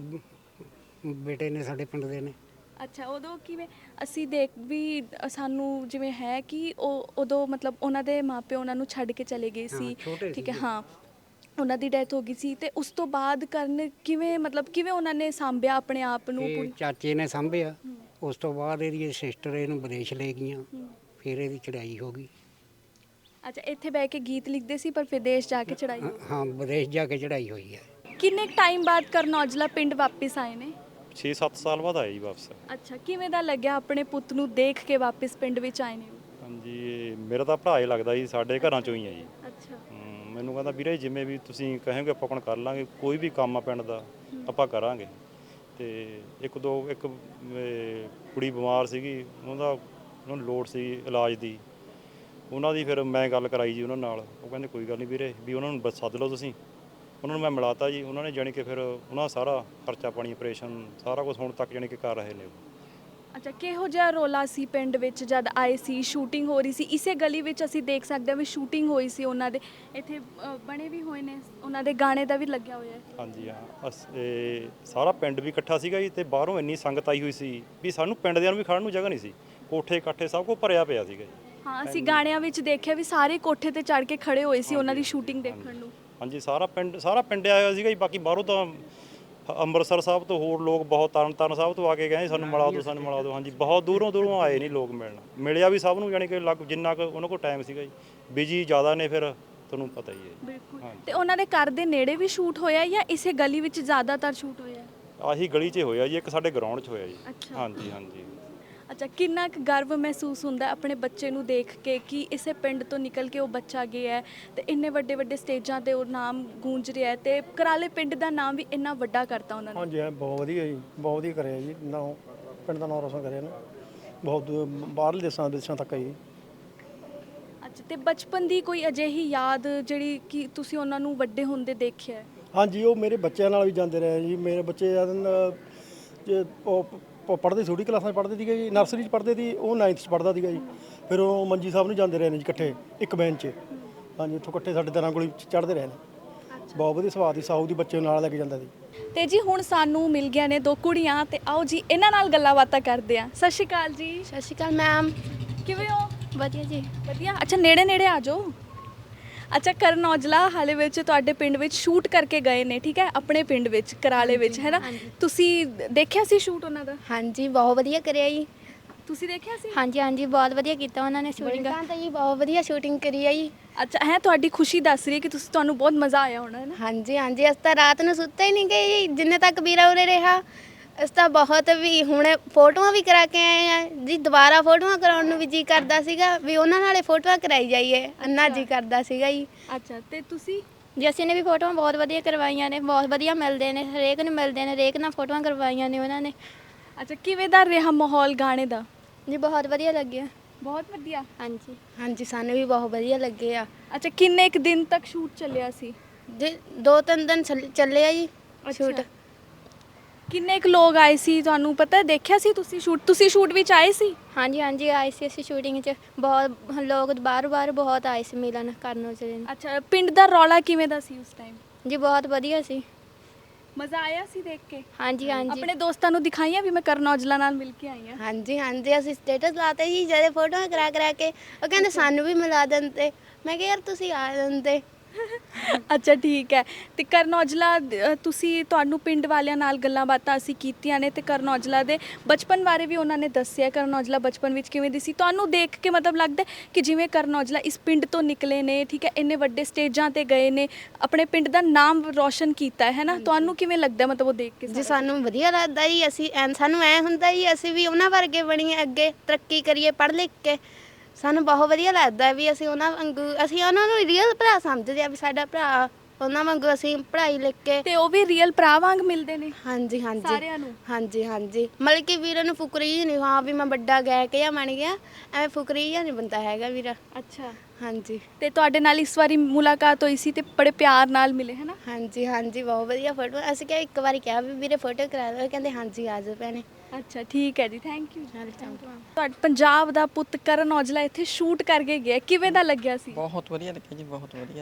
S10: ਬੇਟੇ ਨੇ, ਸਾਡੇ ਪਿੰਡ ਦੇ ਨੇ।
S1: ਅੱਛਾ, ਉਦੋਂ ਕਿਵੇਂ ਅਸੀਂ ਦੇਖ ਵੀ ਸਾਨੂੰ ਜਿਵੇਂ ਹੈ ਕਿ ਉਹ ਉਦੋਂ ਮਤਲਬ ਉਹਨਾਂ ਦੇ ਮਾਪਿਓ ਉਹਨਾਂ ਨੂੰ ਛੱਡ ਕੇ ਚਲੇ ਗਏ ਸੀ, ਠੀਕ ਹੈ, ਹਾਂ, ਉਹਨਾਂ ਦੀ ਡੈਥ ਹੋ ਗਈ ਸੀ, ਤੇ ਉਸ ਤੋਂ ਬਾਅਦ ਕਰਨ ਕਿਵੇਂ, ਮਤਲਬ ਕਿਵੇਂ ਉਹਨਾਂ ਨੇ ਸਾਂਭਿਆ ਆਪਣੇ ਆਪ ਨੂੰ?
S10: ਚਾਚੇ ਨੇ ਸਾਂਭਿਆ, ਉਸ ਤੋਂ ਬਾਅਦ ਇਹਦੀ ਸਿਸਟਰ ਇਹਨੂੰ ਵਿਦੇਸ਼ ਲੈ ਗਈਆਂ, ਫਿਰ ਇਹਦੀ ਚੜਾਈ ਹੋ ਗਈ।
S1: ਅੱਛਾ, ਇੱਥੇ ਬਹਿ ਕੇ ਗੀਤ ਲਿਖਦੇ ਸੀ ਪਰ ਵਿਦੇਸ਼ ਜਾ ਕੇ ਚੜਾਈ?
S10: ਹਾਂ, ਵਿਦੇਸ਼ ਜਾ ਕੇ ਚੜਾਈ ਹੋਈ ਹੈ।
S1: ਕਿੰਨੇ ਟਾਈਮ ਬਾਅਦ ਕਰਨ ਔਜਲਾ ਪਿੰਡ ਵਾਪਸ ਆਏ ਨੇ?
S3: 6-7 ਸਾਲ ਬਾਅਦ ਆਏ ਜੀ ਵਾਪਸ।
S1: ਅੱਛਾ, ਕਿਵੇਂ ਦਾ ਲੱਗਿਆ ਆਪਣੇ ਪੁੱਤ ਨੂੰ ਦੇਖ ਕੇ ਵਾਪਸ ਪਿੰਡ ਵਿੱਚ ਆਏ ਨੇ?
S3: ਹਾਂਜੀ, ਮੇਰਾ ਤਾਂ ਭਰਾ ਹੀ ਲੱਗਦਾ ਜੀ, ਸਾਡੇ ਘਰਾਂ ਚੋਂ ਹੀ ਹੈ ਜੀ।
S1: ਅੱਛਾ।
S3: ਮੈਨੂੰ ਕਹਿੰਦਾ ਵੀਰੇ ਜਿਵੇਂ ਵੀ ਤੁਸੀਂ ਕਹੋਗੇ ਆਪਾਂ ਆਪਣਾ ਕਰ ਲਾਂਗੇ, ਕੋਈ ਵੀ ਕੰਮ ਆ ਪਿੰਡ ਦਾ ਆਪਾਂ ਕਰਾਂਗੇ। ਤੇ ਇੱਕ ਕੁੜੀ ਬਿਮਾਰ ਸੀਗੀ, ਉਹਨੂੰ ਲੋੜ ਸੀ ਇਲਾਜ ਦੀ, ਉਹਨਾਂ ਦੀ ਫਿਰ ਮੈਂ ਗੱਲ ਕਰਾਈ ਜੀ ਉਹਨਾਂ ਨਾਲ। ਉਹ ਕਹਿੰਦੇ ਕੋਈ ਗੱਲ ਨਹੀਂ ਵੀਰੇ, ਵੀ ਉਹਨਾਂ ਨੂੰ ਸੱਦ ਲਓ ਤੁਸੀਂ। ਉਹਨਾਂ ਨੂੰ ਮੈਂ ਮਿਲਾਤਾ ਜੀ, ਉਹਨਾਂ ਨੇ ਜਾਣੀ ਕਿ ਫਿਰ ਉਹਨਾਂ ਸਾਰਾ ਖਰਚਾ ਪਾਣੀ, ਆਪਰੇਸ਼ਨ, ਸਾਰਾ ਕੁਝ ਹੁਣ ਤੱਕ ਜਾਣੀ ਕਿ ਕਰ ਰਹੇ ਨੇ।
S1: ਅੱਛਾ, ਕਿਹੋ ਜਿਹਾ ਰੋਲਾ ਸੀ ਪਿੰਡ ਵਿੱਚ ਜਦ ਆਏ ਸੀ, ਸ਼ੂਟਿੰਗ ਹੋ ਰਹੀ ਸੀ? ਇਸੇ ਗਲੀ ਵਿੱਚ ਅਸੀਂ ਦੇਖ ਸਕਦੇ ਹਾਂ ਵੀ ਸ਼ੂਟਿੰਗ ਹੋਈ ਸੀ ਉਹਨਾਂ ਦੇ, ਇੱਥੇ ਬਣੇ ਵੀ ਹੋਏ ਨੇ, ਉਹਨਾਂ ਦੇ ਗਾਣੇ ਦਾ ਵੀ ਲੱਗਿਆ ਹੋਇਆ ਹੈ।
S11: ਹਾਂਜੀ ਹਾਂ, ਸਾਰਾ ਪਿੰਡ ਵੀ ਇਕੱਠਾ ਸੀਗਾ ਜੀ, ਤੇ ਬਾਹਰੋਂ ਇੰਨੀ ਸੰਗਤ ਆਈ ਹੋਈ ਸੀ ਵੀ ਸਾਨੂੰ ਪਿੰਡ ਦਿਆਂ ਨੂੰ ਵੀ ਖੜਨ ਨੂੰ ਜਗ੍ਹਾ ਨਹੀਂ ਸੀ, ਕੋਠੇ ਕਾਠੇ ਸਭ ਕੁਝ ਭਰਿਆ ਪਿਆ ਸੀਗਾ ਜੀ।
S1: ਹਾਂ, ਅਸੀਂ ਗਾਣਿਆਂ ਵਿੱਚ ਦੇਖਿਆ ਵੀ ਸਾਰੇ ਕੋਠੇ ਤੇ ਚੜ੍ਹ ਕੇ ਖੜੇ ਹੋਏ ਸੀ ਉਹਨਾਂ ਦੀ ਸ਼ੂਟਿੰਗ ਦੇਖਣ ਨੂੰ।
S11: ਹਾਂਜੀ, ਸਾਰਾ ਪਿੰਡ ਆਇਆ ਹੋਇਆ ਸੀਗਾ ਜੀ। ਬਾਕੀ ਬਾਹਰੋਂ ਤਾਂ ਅੰਮ੍ਰਿਤਸਰ ਸਾਹਿਬ ਤੋਂ ਹੋਰ ਲੋਕ ਬਹੁਤ, ਤਰਨਤਾਰਨ ਸਾਹਿਬ ਤੋਂ ਆ ਕੇ ਗਏ ਸਾਨੂੰ ਮਿਲਾ ਦਿਓ, ਸਾਨੂੰ ਮਿਲਾ ਦਿਓ। ਹਾਂਜੀ, ਬਹੁਤ ਦੂਰੋਂ ਆਏ ਨਹੀਂ ਲੋਕ ਮਿਲਣ, ਮਿਲਿਆ ਵੀ ਸਭ ਨੂੰ, ਯਾਨੀ ਕਿ ਜਿੰਨਾ ਕੁ ਉਹਨਾਂ ਕੋਲ ਟਾਈਮ ਸੀਗਾ ਜੀ। ਬਿਜੀ ਜ਼ਿਆਦਾ ਨੇ, ਫਿਰ ਤੁਹਾਨੂੰ ਪਤਾ ਹੀ ਹੈ।
S1: ਬਿਲਕੁਲ। ਤੇ ਉਹਨਾਂ ਦੇ ਘਰ ਦੇ ਨੇੜੇ ਵੀ ਸ਼ੂਟ ਹੋਇਆ ਜਾਂ ਇਸੇ ਗਲੀ ਵਿੱਚ ਜ਼ਿਆਦਾਤਰ ਸ਼ੂਟ ਹੋਇਆ?
S11: ਆਹੀ ਗਲੀ 'ਚ ਹੋਇਆ ਜੀ, ਇੱਕ ਸਾਡੇ ਗਰਾਊਂਡ 'ਚ ਹੋਇਆ ਜੀ।
S1: ਅੱਛਾ।
S11: ਹਾਂਜੀ ਹਾਂਜੀ।
S1: ਅੱਛਾ, ਕਿੰਨਾ ਕੁ ਗਰਵ ਮਹਿਸੂਸ ਹੁੰਦਾ ਆਪਣੇ ਬੱਚੇ ਨੂੰ ਦੇਖ ਕੇ ਕਿ ਇਸੇ ਪਿੰਡ ਤੋਂ ਨਿਕਲ ਕੇ ਉਹ ਬੱਚਾ ਗਿਆ ਹੈ ਤੇ ਇੰਨੇ ਵੱਡੇ ਵੱਡੇ ਸਟੇਜਾਂ ਤੇ ਉਹ ਨਾਮ ਗੂੰਜ ਰਿਹਾ ਹੈ ਤੇ ਕਰਾਲੇ ਪਿੰਡ ਦਾ ਨਾਮ ਵੀ ਇੰਨਾ ਵੱਡਾ ਕਰਤਾ ਉਹਨਾਂ ਨੇ।
S12: ਹਾਂਜੀ, ਬਹੁਤ ਵਧੀਆ ਜੀ, ਬਹੁਤ ਵਧੀਆ ਕਰਿਆ ਜੀ, ਨਾ ਪਿੰਡ ਦਾ ਨਾਮ ਰੋਸ਼ਨ ਕਰਿਆ ਨਾ, ਬਹੁਤ ਬਾਹਰਲੇ ਦੇਸ਼ਾਂ ਤੱਕ ਜੀ।
S1: ਅੱਛਾ, ਤੇ ਬਚਪਨ ਦੀ ਕੋਈ ਅਜਿਹੀ ਯਾਦ ਜਿਹੜੀ ਕਿ ਤੁਸੀਂ ਉਹਨਾਂ ਨੂੰ ਵੱਡੇ ਹੁੰਦੇ ਦੇਖਿਆ ਹੈ?
S12: ਹਾਂਜੀ, ਉਹ ਮੇਰੇ ਬੱਚਿਆਂ ਨਾਲ ਵੀ ਜਾਂਦੇ ਰਹੇ ਜੀ। ਮੇਰੇ ਬੱਚੇ ਉਹ ਪੜ੍ਹਦੇ ਛੋਟੀ ਕਲਾਸਾਂ 'ਚ ਪੜ੍ਹਦੇ ਸੀਗੇ ਜੀ, ਨਰਸਰੀ 'ਚ ਪੜ੍ਹਦੇ ਸੀ, ਉਹ 9th 'ਚ ਪੜ੍ਹਦਾ ਸੀਗਾ ਜੀ। ਫਿਰ ਉਹ ਮੰਜੀ ਸਾਹਿਬ ਨੂੰ ਜਾਂਦੇ ਰਹੇ ਨੇ ਜੀ ਇਕੱਠੇ, ਇੱਕ ਬੈਂਚ 'ਚ। ਹਾਂਜੀ, ਉੱਥੋਂ ਇਕੱਠੇ ਸਾਡੇ ਦਰਾਂ ਕੋਲ ਚੜ੍ਹਦੇ ਰਹੇ ਨੇ। ਬਹੁਤ ਵਧੀਆ ਸੁਭਾਅ ਦੀ, ਸਾਊ ਦੀ, ਬੱਚੇ ਨਾਲ ਲੈ ਕੇ ਜਾਂਦਾ ਸੀ।
S1: ਤੇ ਜੀ ਹੁਣ ਸਾਨੂੰ ਮਿਲ ਗਿਆ ਨੇ ਦੋ ਕੁੜੀਆਂ ਤੇ ਆਓ ਜੀ ਇਹਨਾਂ ਨਾਲ ਗੱਲਾਂ ਬਾਤਾਂ ਕਰਦੇ ਆ। ਸਤਿ ਸ਼੍ਰੀ ਅਕਾਲ ਜੀ।
S2: ਸਤਿ ਸ਼੍ਰੀ ਅਕਾਲ ਮੈਮ।
S1: ਕਿਵੇਂ ਹੋ?
S2: ਵਧੀਆ ਜੀ।
S1: ਵਧੀਆ। ਅੱਛਾ, ਨੇੜੇ ਆ ਜਾਓ। ਅੱਛਾ, ਕਰਨ ਔਜਲਾ ਹਾਲੇ ਵਿੱਚ ਤੁਹਾਡੇ ਪਿੰਡ ਵਿੱਚ ਸ਼ੂਟ ਕਰਕੇ ਗਏ ਨੇ, ਠੀਕ ਹੈ, ਆਪਣੇ ਪਿੰਡ ਵਿੱਚ ਕਰਾਲੇ ਵਿੱਚ, ਹੈ ਨਾ? ਤੁਸੀਂ ਦੇਖਿਆ ਸੀ ਸ਼ੂਟ ਉਹਨਾਂ ਦਾ?
S2: ਹਾਂਜੀ, ਬਹੁਤ ਵਧੀਆ ਕਰਿਆ ਜੀ।
S1: ਤੁਸੀਂ ਦੇਖਿਆ ਸੀ?
S2: ਹਾਂਜੀ ਹਾਂਜੀ, ਬਹੁਤ ਵਧੀਆ ਕੀਤਾ ਉਹਨਾਂ ਨੇ ਸ਼ੂਟਿੰਗ ਤਾਂ ਜੀ, ਬਹੁਤ ਵਧੀਆ ਸ਼ੂਟਿੰਗ ਕਰੀ ਆ ਜੀ।
S1: ਅੱਛਾ, ਹੈ ਤੁਹਾਡੀ ਖੁਸ਼ੀ ਦੱਸ ਰਹੀ ਹੈ ਕਿ ਤੁਹਾਨੂੰ ਬਹੁਤ ਮਜ਼ਾ ਆਇਆ ਹੋਣਾ, ਹੈ ਨਾ?
S2: ਹਾਂਜੀ ਹਾਂਜੀ, ਅਸੀਂ ਤਾਂ ਰਾਤ ਨੂੰ ਸੁੱਤੇ ਹੀ ਨਹੀਂ ਗਏ ਜੀ, ਜਿੰਨੇ ਤੱਕ ਵੀਰਾ ਉਰੇ ਰਿਹਾ। ਅਸੀਂ ਤਾਂ ਬਹੁਤ ਵੀ ਹੁਣੇ ਫੋਟੋਆਂ ਵੀ ਕਰਾ ਕੇ ਆਏ ਆ ਜੀ, ਦੁਬਾਰਾ ਫੋਟੋਆਂ ਕਰਾਉਣ ਨੂੰ ਵੀ ਜੀ ਕਰਦਾ ਸੀਗਾ ਵੀ ਉਹਨਾਂ ਨਾਲੇ ਫੋਟੋਆਂ ਕਰਾਈ ਜਾਈਏ, ਅੰਨਾ ਜੀ ਕਰਦਾ ਸੀਗਾ ਜੀ।
S1: ਅੱਛਾ, ਤੇ ਤੁਸੀਂ?
S2: ਜੀ ਅਸੀਂ ਨੇ ਵੀ ਫੋਟੋਆਂ ਬਹੁਤ ਵਧੀਆ ਕਰਵਾਈਆਂ ਨੇ, ਬਹੁਤ ਵਧੀਆ ਮਿਲਦੇ ਨੇ, ਹਰੇਕ ਨੂੰ ਮਿਲਦੇ ਨੇ, ਹਰੇਕ ਨਾਲ ਫੋਟੋਆਂ ਕਰਵਾਈਆਂ ਨੇ ਉਹਨਾਂ ਨੇ।
S1: ਅੱਛਾ, ਕਿਵੇਂ ਦਾ ਰਿਹਾ ਮਾਹੌਲ ਗਾਣੇ ਦਾ?
S2: ਜੀ ਬਹੁਤ ਵਧੀਆ ਲੱਗਿਆ।
S1: ਬਹੁਤ ਵਧੀਆ।
S2: ਹਾਂਜੀ ਹਾਂਜੀ, ਸਾਨੂੰ ਵੀ ਬਹੁਤ ਵਧੀਆ ਲੱਗੇ ਆ।
S1: ਅੱਛਾ, ਕਿੰਨੇ ਕੁ ਦਿਨ ਤੱਕ ਸ਼ੂਟ ਚੱਲਿਆ ਸੀ?
S2: ਜੀ 2-3 ਦਿਨ ਚੱਲੇ ਆ ਜੀ ਸ਼ੂਟ।
S1: ਕਿੰਨੇ ਕੁ ਲੋਕ ਆਏ ਸੀ ਤੁਹਾਨੂੰ ਪਤਾ? ਦੇਖਿਆ ਸੀ ਤੁਸੀਂ ਸ਼ੂਟ ਵਿੱਚ ਆਏ ਸੀ?
S2: ਹਾਂਜੀ ਹਾਂਜੀ, ਆਏ ਸੀ ਅਸੀਂ ਸ਼ੂਟਿੰਗ 'ਚ। ਬਹੁਤ ਲੋਕ ਬਾਹਰ ਬਹੁਤ ਆਏ ਸੀ ਮਿਲਣ ਕਰਨ ਔਜਲੇ ਨੂੰ।
S1: ਅੱਛਾ, ਪਿੰਡ ਦਾ ਰੌਲਾ ਕਿਵੇਂ ਦਾ ਸੀ ਉਸ ਟਾਈਮ?
S2: ਜੀ ਬਹੁਤ ਵਧੀਆ ਸੀ,
S1: ਮਜ਼ਾ ਆਇਆ ਸੀ ਦੇਖ ਕੇ?
S2: ਹਾਂਜੀ ਹਾਂਜੀ।
S1: ਆਪਣੇ ਦੋਸਤਾਂ ਨੂੰ ਦਿਖਾਈਆਂ ਵੀ ਮੈਂ ਕਰਨ ਔਜਲਾ ਨਾਲ ਮਿਲ ਕੇ ਆਈ ਹਾਂ?
S2: ਹਾਂਜੀ ਹਾਂਜੀ, ਅਸੀਂ ਸਟੇਟਸ ਲਾਤੇ ਜੀ ਜਿਹੜੇ ਫੋਟੋਆਂ ਕਰਾ ਕੇ, ਉਹ ਕਹਿੰਦੇ ਸਾਨੂੰ ਵੀ ਮਿਲਾ ਦਿੰਦੇ। ਮੈਂ ਕਿਹਾ ਯਾਰ ਤੁਸੀਂ ਆ ਜਾਂਦੇ।
S1: ਅੱਛਾ, ਠੀਕ ਹੈ। ਤੇ ਕਰਨ ਔਜਲਾ ਤੁਹਾਨੂੰ ਪਿੰਡ ਵਾਲਿਆਂ ਨਾਲ ਗੱਲਾਂ ਬਾਤਾਂ ਅਸੀਂ ਕੀਤੀਆਂ ਨੇ ਤੇ ਕਰਨ ਔਜਲਾ ਦੇ ਬਚਪਨ ਬਾਰੇ ਵੀ ਉਹਨਾਂ ਨੇ ਦੱਸਿਆ। ਕਰਨ ਔਜਲਾ ਬਚਪਨ ਵਿੱਚ ਕਿਵੇਂ ਦੀ ਸੀ? ਤੁਹਾਨੂੰ ਦੇਖ ਕੇ ਮਤਲਬ ਲੱਗਦਾ ਕਿ ਜਿਵੇਂ ਕਰਨ ਔਜਲਾ ਇਸ ਪਿੰਡ ਤੋਂ ਨਿਕਲੇ ਨੇ, ਠੀਕ ਹੈ, ਇੰਨੇ ਵੱਡੇ ਸਟੇਜਾਂ ਤੇ ਗਏ ਨੇ, ਆਪਣੇ ਪਿੰਡ ਦਾ ਨਾਮ ਰੋਸ਼ਨ ਕੀਤਾ ਹੈ ਨਾ? ਤੁਹਾਨੂੰ ਕਿਵੇਂ ਲੱਗਦਾ ਮਤਲਬ ਉਹ ਦੇਖ ਕੇ?
S2: ਜੀ ਸਾਨੂੰ ਵਧੀਆ ਲੱਗਦਾ ਜੀ। ਸਾਨੂੰ ਐ ਹੁੰਦਾ ਜੀ ਅਸੀਂ ਵੀ ਉਹਨਾਂ ਵਰਗੇ ਬਣੀਏ, ਅੱਗੇ ਤਰੱਕੀ ਕਰੀਏ ਪੜ੍ਹ ਲਿਖ ਕੇ। ਸਾਨੂੰ ਬਹੁਤ ਵਧੀਆ ਲੱਗਦਾ ਵੀ ਅਸੀਂ ਉਹਨਾਂ ਵਾਂਗੂ, ਅਸੀਂ ਉਹਨਾਂ ਨੂੰ ਰੀਅਲ ਭਰਾ ਸਮਝਦੇ ਆ ਵੀ ਸਾਡਾ ਭਰਾ, ਉਹਨਾਂ ਵਾਂਗੂ ਅਸੀਂ ਪੜ੍ਹਾਈ ਲਿਖ ਕੇ।
S1: ਤੇ ਉਹ ਵੀ ਰੀਅਲ ਭਰਾ ਵਾਂਗ ਮਿਲਦੇ ਨੇ?
S2: ਹਾਂਜੀ ਹਾਂਜੀ,
S1: ਸਾਰਿਆਂ ਨੂੰ?
S2: ਹਾਂਜੀ ਹਾਂਜੀ, ਮਤਲਬ ਕਿ ਵੀਰਾਂ ਨੂੰ ਫੁਕਰੀ ਨਹੀਂ, ਹਾਂ ਵੀ ਮੈਂ ਵੱਡਾ ਗਾਇਕ ਜਾਂ ਬਣ ਗਿਆ, ਐਵੇਂ ਫੁਕਰੀ ਜਾਂ ਨਹੀਂ ਬੰਦਾ ਹੈਗਾ ਵੀਰਾ।
S1: ਅੱਛਾ,
S2: ਹਾਂਜੀ।
S1: ਤੇ ਤੁਹਾਡੇ ਨਾਲ ਇਸ ਵਾਰੀ ਮੁਲਾਕਾਤ ਹੋਈ ਸੀ ਤੇ ਬੜੇ ਪਿਆਰ ਨਾਲ ਮਿਲੇ, ਹੈ ਨਾ?
S2: ਹਾਂਜੀ ਹਾਂਜੀ, ਬਹੁਤ ਵਧੀਆ ਫੋਟੋ। ਅਸੀਂ ਕਿਹਾ ਇੱਕ ਵਾਰੀ ਕਿਹਾ ਵੀ ਵੀਰੇ ਫੋਟੋ ਕਰਾ ਦਿਓ, ਕਹਿੰਦੇ ਹਾਂਜੀ ਆ ਜਾਓ ਭੈਣੇ।
S1: ਅੱਛਾ, ਠੀਕ ਹੈ ਜੀ, ਥੈਂਕ ਯੂ। ਤੁਹਾਡਾ ਪੰਜਾਬ ਦਾ ਪੁੱਤ ਕਰਨ ਔਜਲਾ ਇੱਥੇ ਸ਼ੂਟ ਕਰਕੇ ਗਿਆ, ਕਿਵੇਂ ਦਾ ਲੱਗਿਆ ਸੀ?
S5: ਬਹੁਤ ਵਧੀਆ ਲੱਗਿਆ ਜੀ, ਬਹੁਤ ਵਧੀਆ।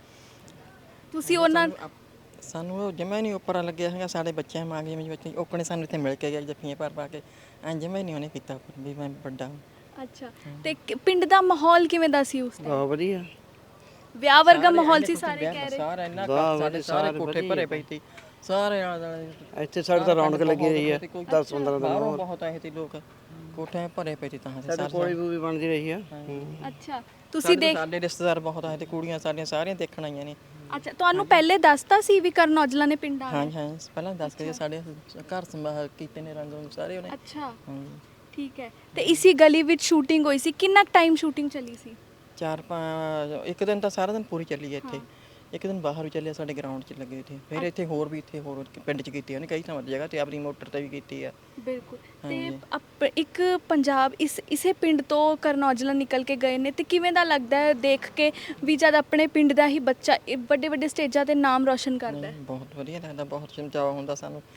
S1: ਤੁਸੀਂ ਉਹਨਾਂ
S5: ਸਾਨੂੰ ਉਹ ਜਮਾ ਨਹੀਂ ਉੱਪਰ ਲੱਗਿਆ ਹੈਗਾ, ਸਾਡੇ ਬੱਚਿਆਂ ਮਾਂ ਗਏ ਬੱਚੇ ਓਕਣੇ ਸਾਨੂੰ ਇੱਥੇ ਮਿਲ ਕੇ ਗਏ ਜੱਫੀਆਂ ਪਾ ਕੇ, ਐਂ ਜਮਾ ਨਹੀਂ ਉਹਨੇ ਕੀਤਾ ਵੀ ਮੈਂ ਵੱਡਾ।
S1: ਅੱਛਾ, ਤੇ ਪਿੰਡ ਦਾ ਮਾਹੌਲ ਕਿਵੇਂ ਦਾ ਸੀ ਉਸ ਟਾਈਮ?
S4: ਬਹੁਤ ਵਧੀਆ,
S1: ਵਿਆਹ ਵਰਗਾ ਮਾਹੌਲ ਸੀ, ਸਾਰੇ ਕਹਿ ਰਹੇ।
S5: ਸਾਰਾ ਇੰਨਾ ਸਾਡੇ ਸਾਰੇ ਕੋਠੇ ਭਰੇ ਪਏ ਸੀ, ਸਾਰੇ
S4: ਇੱਥੇ ਸਾਡੇ ਤਾਂ ਰੌਣਕ ਲੱਗੀ ਰਹੀ ਹੈ 10-15 ਦਿਨ।
S5: ਬਹੁਤ ਆਏ ਸੀ ਲੋਕ, ਕੋਠੇ ਭਰੇ ਪਏ ਸੀ ਤਾਂ
S4: ਸਾਡੇ ਕੋਲੀ ਵੀ ਬਣਦੀ ਰਹੀ ਆ।
S1: ਅੱਛਾ, ਤੁਸੀਂ
S5: ਸਾਡੇ ਰਿਸ਼ਤੇਦਾਰ ਬਹੁਤ ਆਏ ਤੇ ਕੁੜੀਆਂ ਸਾਡੀਆਂ ਸਾਰੀਆਂ ਦੇਖਣ ਆਈਆਂ ਨੇ।
S1: ਅੱਛਾ, ਤੁਹਾਨੂੰ ਪਹਿਲੇ ਦੱਸਤਾ ਸੀ ਵੀ ਕਰਨ ਔਜਲਾ ਨੇ ਪਿੰਡ ਆਉਣਾ?
S5: ਹਾਂ ਹਾਂ, ਪਹਿਲਾਂ ਦੱਸ ਕੇ ਸਾਡੇ ਘਰ ਸੰਭਾਲ ਕੀਤੇ ਨੇ ਰੰਗ ਸਾਰੇ ਉਹਨੇ।
S1: ਅੱਛਾ, ਠੀਕ ਹੈ। ਤੇ ਇਸੀ ਗਲੀ ਵਿੱਚ ਸ਼ੂਟਿੰਗ ਹੋਈ ਸੀ, ਕਿੰਨਾ ਟਾਈਮ ਸ਼ੂਟਿੰਗ ਚੱਲੀ ਸੀ?
S5: 4-5 ਇੱਕ ਦਿਨ ਤਾਂ ਸਾਰਾ ਦਿਨ ਪੂਰੀ ਚੱਲੀ ਹੈ ਇੱਥੇ, ਇੱਕ ਦਿਨ ਬਾਹਰ ਵੀ ਚੱਲਿਆ ਸਾਡੇ ਗਰਾਊਂਡ 'ਚ ਲੱਗੇ ਇੱਥੇ, ਫਿਰ ਇੱਥੇ ਹੋਰ ਪਿੰਡ 'ਚ ਕੀਤੀ ਉਹਨੇ ਕਈ ਥਾਵਾਂ ਜਗ੍ਹਾ ਤੇ, ਆਪਣੀ ਮੋਟਰ ਤੇ ਵੀ ਕੀਤੀ ਆ।
S1: ਬਿਲਕੁਲ। ਤੇ ਇੱਕ ਪੰਜਾਬ ਇਸੇ ਪਿੰਡ ਤੋਂ ਕਰਨ ਔਜਲਾ ਨਿਕਲ ਕੇ ਗਏ ਨੇ ਤੇ ਕਿਵੇਂ ਦਾ ਲੱਗਦਾ ਹੈ ਦੇਖ ਕੇ ਵੀ ਜਦ ਆਪਣੇ ਪਿੰਡ ਦਾ ਹੀ ਬੱਚਾ ਵੱਡੇ ਵੱਡੇ ਸਟੇਜਾਂ ਤੇ ਨਾਮ ਰੋਸ਼ਨ ਕਰਦਾ ਹੈ?
S5: ਬਹੁਤ ਵਧੀਆ ਲੱਗਦਾ, ਬਹੁਤ ਚਾਅ ਹੁੰਦਾ ਸਾਨੂੰ,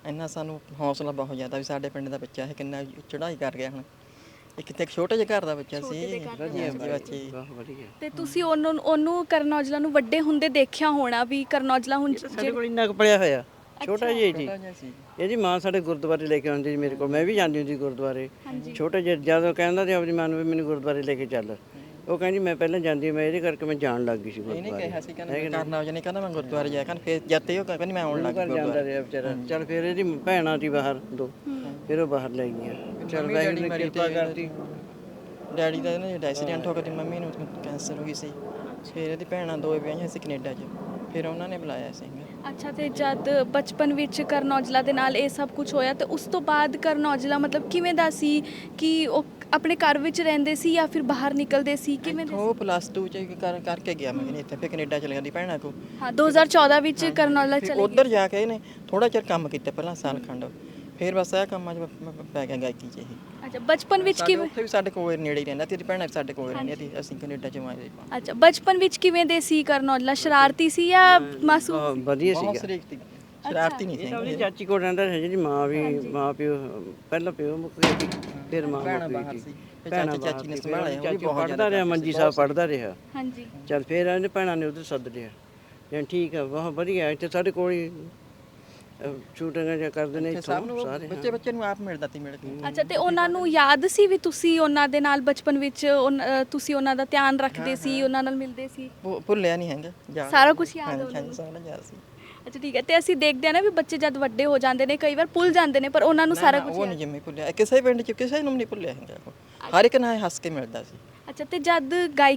S5: ਇੰਨਾ ਸਾਨੂੰ ਹੌਸਲਾ ਬਹੁਤ ਜ਼ਿਆਦਾ ਵੀ ਸਾਡੇ ਪਿੰਡ ਦਾ ਬੱਚਾ ਇਹ ਕਿੰਨਾ ਚੜ੍ਹਾਈ ਕਰ ਗਿਆ ਹੁਣ। ਇਹ ਕਿਤੇ ਇੱਕ ਛੋਟੇ ਜਿਹੇ ਘਰ ਦਾ ਬੱਚਾ ਸੀ
S4: ਵਧੀਆ
S5: ਬੱਚੇ
S4: ਬਹੁਤ ਵਧੀਆ।
S1: ਤੇ ਤੁਸੀਂ ਉਹਨੂੰ ਕਰਨ ਔਜਲਾ ਨੂੰ ਵੱਡੇ ਹੁੰਦੇ ਦੇਖਿਆ ਹੋਣਾ ਵੀ ਕਰਨ ਔਜਲਾ ਹੁਣ
S4: ਸਾਡੇ ਕੋਲ ਇੰਨਾ ਕੁ ਪੜਿਆ ਹੋਇਆ ਛੋਟਾ ਜਿਹਾ ਜੀ।
S5: ਛੋਟਾ ਜਿਹਾ ਸੀ।
S4: ਇਹਦੀ ਮਾਂ ਸਾਡੇ ਗੁਰਦੁਆਰੇ ਲੈ ਕੇ ਆਉਂਦੀ ਸੀ ਮੇਰੇ ਕੋਲ, ਮੈਂ ਵੀ ਜਾਂਦੀ ਹੁੰਦੀ ਗੁਰਦੁਆਰੇ। ਛੋਟੇ ਜਿਹੇ ਜਦੋਂ ਕਹਿੰਦਾ ਤੇ ਆਪਣੀ ਮਾਂ ਨੂੰ ਵੀ ਮੈਨੂੰ ਗੁਰਦੁਆਰੇ ਲੈ ਕੇ ਚੱਲ, ਉਹ ਕਹਿੰਦੀ ਮੈਂ ਪਹਿਲਾਂ ਜਾਂਦੀ, ਮੈਂ ਇਹਦੇ ਕਰਕੇ ਮੈਂ ਜਾਣ ਲੱਗ ਗਈ ਸੀ
S5: ਇਹਨੇ
S4: ਗੁਰਦੁਆਰੇ।
S5: ਕਿਹਾ ਸੀ ਕਹਿੰਦਾ ਕਰਨਾ ਹੋ ਜਾਣੀ, ਕਹਿੰਦਾ ਮੈਂ ਗੁਰਦੁਆਰੇ ਜਾਇਆ ਕਰ, ਫਿਰ ਜਦ ਤੇ ਉਹ ਕਹਿੰਦੀ ਮੈਂ ਆਉਣ ਲੱਗ
S4: ਘਰ ਜਾਂਦਾ ਰਿਹਾ ਵਿਚਾਰਾ। ਚੱਲ ਫਿਰ ਇਹਦੀ ਭੈਣਾਂ ਸੀ ਬਾਹਰ ਦੋ, ਫਿਰ ਉਹ ਬਾਹਰ ਲੈ ਗਈਆਂ। ਚੱਲ ਵਾਹਿਗੁਰੂ ਨੇ ਕਿਰਪਾ ਕਰਤੀ।
S5: ਡੈਡੀ ਦਾ ਨਾ ਜਿਹੜਾ ਐਕਸੀਡੈਂਟ ਹੋ ਗਿਆ ਤੇ ਮੰਮੀ ਨੂੰ ਕੈਂਸਰ ਹੋ ਗਈ ਸੀ। ਫਿਰ ਇਹਦੀ ਭੈਣਾਂ ਦੋ ਵਿਆਹੀਆਂ ਸੀ ਕੈਨੇਡਾ 'ਚ, ਫਿਰ ਉਹਨਾਂ ਨੇ ਬੁਲਾਇਆ ਸੀ।
S1: ਅੱਛਾ, ਤੇ ਜਦ ਬਚਪਨ ਵਿੱਚ ਕਰਨ ਔਜਲਾ ਦੇ ਨਾਲ ਇਹ ਸਭ ਕੁਝ ਹੋਇਆ ਤੇ ਉਸ ਤੋਂ ਬਾਅਦ ਕਰਨ ਔਜਲਾ ਮਤਲਬ ਕਿਵੇਂ ਦਾ ਸੀ ਕਿ ਉਹ ਆਪਣੇ ਘਰ ਵਿੱਚ ਰਹਿੰਦੇ ਸੀ ਜਾਂ ਫਿਰ ਬਾਹਰ ਨਿਕਲਦੇ ਸੀ, ਕਿਵੇਂ ਦੇ
S5: ਉਹ +2 ਚ ਕਰਕੇ ਗਿਆ ਮੈਂ ਕਹਿੰਦੀ ਇੱਥੇ, ਫਿਰ ਕੈਨੇਡਾ ਚਲੇ ਜਾਂਦੀ ਭੈਣਾਂ ਕੋ।
S1: ਹਾਂ 2014 ਵਿੱਚ ਕਰਨ ਔਜਲਾ ਚਲੇ
S5: ਉੱਧਰ ਜਾ ਕੇ ਇਹਨੇ ਥੋੜਾ ਚਿਰ ਕੰਮ ਕੀਤਾ ਪਹਿਲਾਂ, ਸਾਲ ਖੰਡ, ਫਿਰ ਬਸ ਇਹ ਕੰਮਾਂ 'ਚ ਪੈ ਗਿਆ ਗਾਇਕੀ 'ਚ ਇਹ।
S1: ਅੱਛਾ, ਬਚਪਨ ਵਿੱਚ ਕਿਵੇਂ?
S5: ਉੱਥੇ ਵੀ ਸਾਡੇ ਕੋਲ ਨੇੜੇ ਹੀ ਰਹਿੰਦਾ, ਤੇਰੀ ਭੈਣਾਂ ਵੀ ਸਾਡੇ ਕੋਲ ਰਹਿੰਦੀਆਂ ਸੀ, ਅਸੀਂ ਕੈਨੇਡਾ 'ਚ ਆਏ।
S1: ਅੱਛਾ, ਬਚਪਨ ਵਿੱਚ ਕਿਵੇਂ ਦੇ ਸੀ ਕਰਨ ਔਜਲਾ? ਸ਼ਰਾਰਤੀ ਸੀ ਜਾਂ ਮਾਸੂਮ?
S4: ਵਧੀਆ
S5: ਬਹੁਤ
S4: ਸੀਗਾ।
S5: ਸ਼ਰੀਕ ਸੀ, ਸ਼ਰਾਰਤੀ ਨਹੀਂ
S4: ਇਹ
S5: ਸੀ।
S4: ਤਾਂ ਉਹਦੀ ਚਾਚੀ ਕੋਲ ਰਹਿੰਦਾ ਸੀ, ਜਿਹਦੀ ਮਾਂ ਵੀ ਮਾਂ ਪਿਓ ਪਹਿਲਾਂ ਪਿਓ ਮੁੱਕ ਗਿਆ ਸੀ, ਫਿਰ ਮਾਂ
S5: ਭੈਣਾਂ
S4: ਮੁੱਕ
S5: ਬਾਹਰ
S4: ਗਈ
S5: ਸੀ,
S4: ਸੀ।
S5: ਫਿਰ
S4: ਭੈਣਾਂ
S5: ਚਾਚੀ ਨੇ ਸੰਭਾਲਿਆ, ਉਹ ਵੀ ਬਹੁਤ
S4: ਪੜ੍ਹਦਾ ਰਿਹਾ, ਮੰਜੀ ਸਾਹਿਬ ਪੜ੍ਹਦਾ ਰਿਹਾ।
S1: ਹਾਂਜੀ।
S4: ਚੱਲ ਫਿਰ ਇਹਨੇ ਭੈਣਾਂ ਨੇ ਉਧਰ ਸੱਦ ਲਿਆ। ਜਾਂ ਠੀਕ ਆ, ਬਹੁਤ ਵਧੀਆ। ਇੱਥੇ ਸਾਡੇ ਕੋਲ ਹੀ ਸ਼ੂਟਿੰਗਾਂ ਜਾਂ ਕਰਦੇ ਨੇ
S5: ਸਭ
S4: ਇੱਥੋਂ
S5: ਨੂੰ
S4: ਸਾਰੇ।
S5: ਬੱਚੇ ਨੂੰ ਆਪ ਮਿਲਦਾ ਤੀ ਮਿਲ ਕੇ।
S1: ਅੱਛਾ, ਤੇ ਉਹਨਾਂ ਨੂੰ ਯਾਦ ਸੀ ਵੀ ਤੁਸੀਂ ਉਹਨਾਂ ਦੇ ਨਾਲ ਬਚਪਨ ਵਿੱਚ ਤੁਸੀਂ ਉਹਨਾਂ ਦਾ ਧਿਆਨ ਰੱਖਦੇ ਸੀ, ਉਹਨਾਂ ਨਾਲ ਮਿਲਦੇ ਸੀ?
S5: ਭੁੱਲਿਆ ਨਹੀਂ ਹੈਗਾ, ਯਾਦ
S1: ਸਾਰਾ ਕੁਝ ਯਾਦ ਹੈ ਉਹਨਾਂ ਨੂੰ?
S5: ਸਾਰਾ ਯਾਦ ਸੀ।
S1: ਅੱਛਾ, ਠੀਕ ਹੈ। ਤੇ ਅਸੀਂ ਦੇਖਦੇ ਆ ਨਾ ਵੀ ਬੱਚੇ ਜਦ ਵੱਡੇ ਹੋ ਜਾਂਦੇ ਨੇ ਕਈ ਵਾਰ ਭੁੱਲ ਜਾਂਦੇ ਨੇ, ਪਰ ਉਹਨਾਂ ਨੂੰ ਸਾਰਾ ਕੁਝ
S5: ਉਹ ਨਹੀਂ ਜਿੰਮੀ ਭੁੱਲਿਆ, ਕਿਸੇ ਪਿੰਡ 'ਚ ਕਿਸੇ ਨੂੰ ਨਹੀਂ ਭੁੱਲਿਆ ਹੈਗਾ ਉਹ। ਹਰ ਇੱਕ ਨਾਲ ਹੱਸ ਕੇ ਮਿਲਦਾ ਸੀ।
S1: ਅੱਛਾ, ਤੇ ਜਦ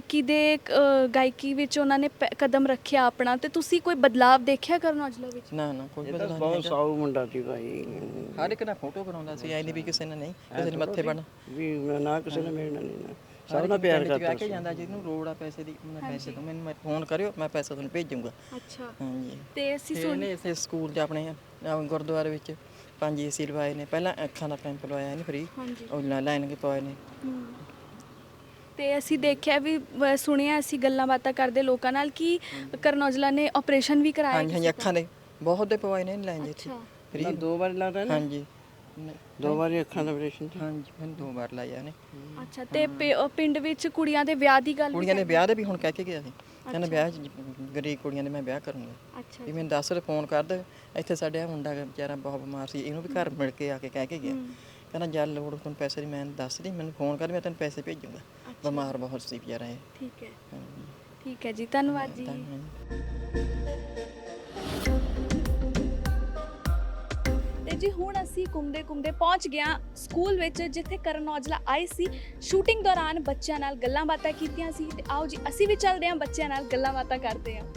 S1: ਗਾਇਕੀ ਵਿੱਚ ਉਹਨਾਂ ਨੇ ਕਦਮ ਰੱਖਿਆ ਆਪਣਾ, ਤੇ ਤੁਸੀਂ ਕੋਈ ਬਦਲਾਵ ਦੇਖਿਆ ਕਰਨ ਔਜਲਾ ਵਿੱਚ?
S5: ਨਾ ਕੋਈ
S4: ਇਹ ਤਾਂ
S5: ਬਦਲਾਅ
S4: ਬਹੁਤ
S5: ਨਹੀਂ।
S4: ਸਾਊ ਮੁੰਡਾ ਸੀ ਭਾਈ।
S5: ਹਰ ਇੱਕ ਨਾਲ ਫੋਟੋ ਕਰਾਉਂਦਾ ਸੀ, ਐ ਨਹੀਂ ਵੀ ਕਿਸੇ ਨੇ ਨਹੀਂ, ਕਿਸੇ ਨੇ ਮੱਥੇ ਬਣ
S4: ਵੀ ਨਾ ਕਿਸੇ ਨੇ ਮਿਲਣਾ ਨਹੀਂ ਨਾ, ਸਭ ਨਾਲ ਪਿਆਰ ਕਰਦਾ
S5: ਕੇ ਜਾਂਦਾ। ਜਿਹਨੂੰ ਲੋੜ ਆ ਪੈਸੇ ਦੀ, ਮੈਂ ਪੈਸੇ ਤੋਂ ਮੈਨੂੰ ਫੋਨ ਕਰਿਓ, ਮੈਂ ਪੈਸਾ ਤੁਹਾਨੂੰ ਭੇਜੂੰਗਾ।
S1: ਅੱਛਾ,
S5: ਹਾਂਜੀ।
S1: ਤੇ ਅਸੀਂ
S5: ਸੁਣੇ ਇਸੇ ਸਕੂਲ 'ਚ ਆਪਣੇ ਗੁਰਦੁਆਰੇ ਵਿੱਚ 5 ਏਸੀ ਲਵਾਏ ਨੇ, ਪਹਿਲਾਂ ਅੱਖਾਂ ਦਾ ਕੈਂਪ ਲਵਾਇਆ ਨੇ ਫ੍ਰੀ, ਉਹ ਲਾਈਨ ਕੇ ਪਾਏ ਨੇ।
S1: ਤੇ ਅਸੀਂ ਦੇਖਿਆ ਵੀ ਸੁਣਿਆ, ਅਸੀਂ ਗੱਲਾਂ ਬਾਤਾਂ ਕਰਦੇ ਲੋਕਾਂ ਨਾਲ ਕਿ ਕਰਨ ਔਜਲਾ ਨੇ ਆਪਰੇਸ਼ਨ ਵੀ ਕਰਾਇਆ।
S5: ਹਾਂਜੀ, ਅੱਖਾਂ ਦੇ ਬਹੁਤ ਦੇ ਪਵਾਏ ਨੇ ਲਾਈਨ ਜਿੱਥੇ ਫ੍ਰੀ।
S4: 2 ਵਾਰ ਲਾਤਾ ਨਾ?
S5: ਹਾਂਜੀ,
S4: 2 ਵਾਰੀ ਅੱਖਾਂ ਦਾ ਆਪਰੇਸ਼ਨ।
S5: ਹਾਂਜੀ, ਮੈਨੂੰ 2 ਵਾਰ ਲਾਇਆ ਨੇ।
S1: ਅੱਛਾ, ਤੇ ਪਿੰਡ ਵਿੱਚ ਕੁੜੀਆਂ ਦੇ ਵਿਆਹ ਦੀ ਗੱਲ?
S5: ਕੁੜੀਆਂ ਦੇ ਵਿਆਹ ਦੇ ਵੀ ਹੁਣ ਕਹਿ ਕੇ ਗਿਆ ਸੀ, ਕਹਿੰਦਾ ਵਿਆਹ ਗਰੀਬ ਕੁੜੀਆਂ ਦੇ ਮੈਂ ਵਿਆਹ ਕਰੂੰਗਾ।
S1: ਅੱਛਾ,
S5: ਵੀ ਮੈਨੂੰ ਦੱਸ ਫੋਨ ਕਰ ਦੇ, ਇੱਥੇ ਸਾਡੇ ਆ ਮੁੰਡਾ ਵਿਚਾਰਾ ਬਹੁਤ ਬਿਮਾਰ ਸੀ, ਇਹਨੂੰ ਵੀ ਘਰ ਮਿਲ ਕੇ ਆ ਕੇ ਕਹਿ ਕੇ ਗਿਆ। ਕਹਿੰਦਾ ਜਦ ਲੋੜ ਤੁਹਾਨੂੰ ਪੈਸੇ ਦੀ ਮੈਂ ਦੱਸ ਦੀ, ਮੈਨੂੰ ਫੋਨ ਕਰ, ਮੈਂ ਤੈਨੂੰ ਪੈਸੇ ਭੇਜੂੰਗਾ। ਬਿਮਾਰ ਬਹੁਤ ਸੀ ਵਿਚਾਰਾ ਇਹ।
S1: ਠੀਕ ਹੈ, ਠੀਕ ਹੈ ਜੀ, ਧੰਨਵਾਦ ਜੀ। ਤੇ ਜੀ ਹੁਣ ਅਸੀਂ ਘੁੰਮਦੇ ਪਹੁੰਚ ਗਏ ਸਕੂਲ ਵਿੱਚ, ਜਿੱਥੇ ਕਰਨ ਔਜਲਾ ਆਏ ਸੀ। ਸ਼ੂਟਿੰਗ ਦੌਰਾਨ ਬੱਚਿਆਂ ਨਾਲ ਗੱਲਾਂ ਬਾਤਾਂ ਕੀਤੀਆਂ ਸੀ, ਤੇ ਆਓ ਜੀ ਅਸੀਂ ਵੀ ਚੱਲਦੇ ਹਾਂ, ਬੱਚਿਆਂ ਨਾਲ ਗੱਲਾਂ ਬਾਤਾਂ ਕਰਦੇ ਹਾਂ।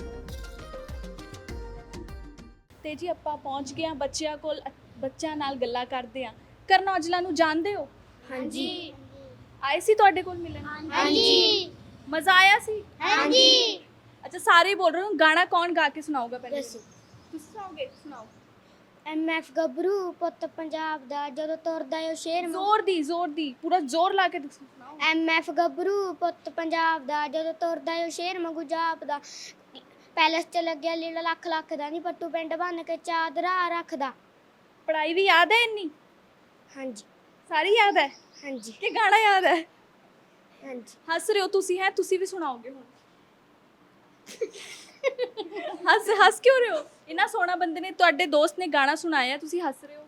S1: ਤੇ ਜੀ ਆਪਾਂ ਪਹੁੰਚ ਗਏ ਹਾਂ ਬੱਚਿਆਂ ਕੋਲ, ਬੱਚਿਆਂ ਨਾਲ ਗੱਲਾਂ ਕਰਦੇ ਹਾਂ। ਕਰਨ ਔਜਲਾ ਨੂੰ ਜਾਣਦੇ ਹੋ?
S2: ਹਾਂਜੀ।
S1: ਆਏ ਸੀ ਤੁਹਾਡੇ ਕੋਲ ਮਿਲਣ?
S2: ਹਾਂਜੀ।
S1: ਮਜ਼ਾ ਆਇਆ ਸੀ?
S2: ਹਾਂਜੀ।
S1: ਅੱਛਾ, ਸਾਰੇ ਹੀ ਬੋਲ ਰਹੇ ਹੋ। ਗਾਣਾ ਕੌਣ ਗਾ ਕੇ ਸੁਣਾਊਗਾ ਪਹਿਲੇ? ਤੁਸੀਂ ਸੁਣਾਓਗੇ? ਸੁਣਾਓ।
S2: MF ਗੱਭਰੂ ਪੁੱਤ ਪੰਜਾਬ ਦਾ, ਜਦੋਂ ਤੁਰਦਾ ਓ ਸ਼ੇਰ।
S1: ਜ਼ੋਰ ਦੀ ਪੂਰਾ ਜ਼ੋਰ ਲਾ ਕੇ ਸੁਣਾਓ।
S2: MF ਗੱਭਰੂ ਪੁੱਤ ਪੰਜਾਬ ਦਾ, ਜਦੋਂ ਤੁਰਦਾ ਓ ਸ਼ੇਰ ਮੰਗੂ ਜਾਪਦਾ। ਪੈਲਸ 'ਚ ਲੱਗਿਆ ਲੀੜਾ ਲੱਖ ਦਾ, ਨਹੀਂ ਪੱਟੂ ਪਿੰਡ ਬੰਨ ਕੇ ਚਾਦਰਾ ਰੱਖਦਾ।
S1: ਪੜ੍ਹਾਈ ਵੀ ਯਾਦ ਹੈ ਇੰਨੀ? ਹਾਂਜੀ। ਸਾਰੀ ਯਾਦ ਹੈ?
S2: ਹਾਂਜੀ।
S1: ਕਿ ਗਾਣਾ ਯਾਦ ਹੈ?
S2: ਹਾਂਜੀ।
S1: ਹੱਸ ਰਹੇ ਹੋ ਤੁਸੀਂ? ਹੈ ਤੁਸੀਂ ਵੀ ਸੁਣਾਓਗੇ ਹੁਣ? ਹੱਸ ਕਿਉਂ ਰਹੇ ਹੋ? ਇੰਨਾ ਸੋਹਣਾ ਬੰਦੇ ਨੇ, ਤੁਹਾਡੇ ਦੋਸਤ ਨੇ ਗਾਣਾ ਸੁਣਾਇਆ, ਤੁਸੀਂ ਹੱਸ ਰਹੇ ਹੋ।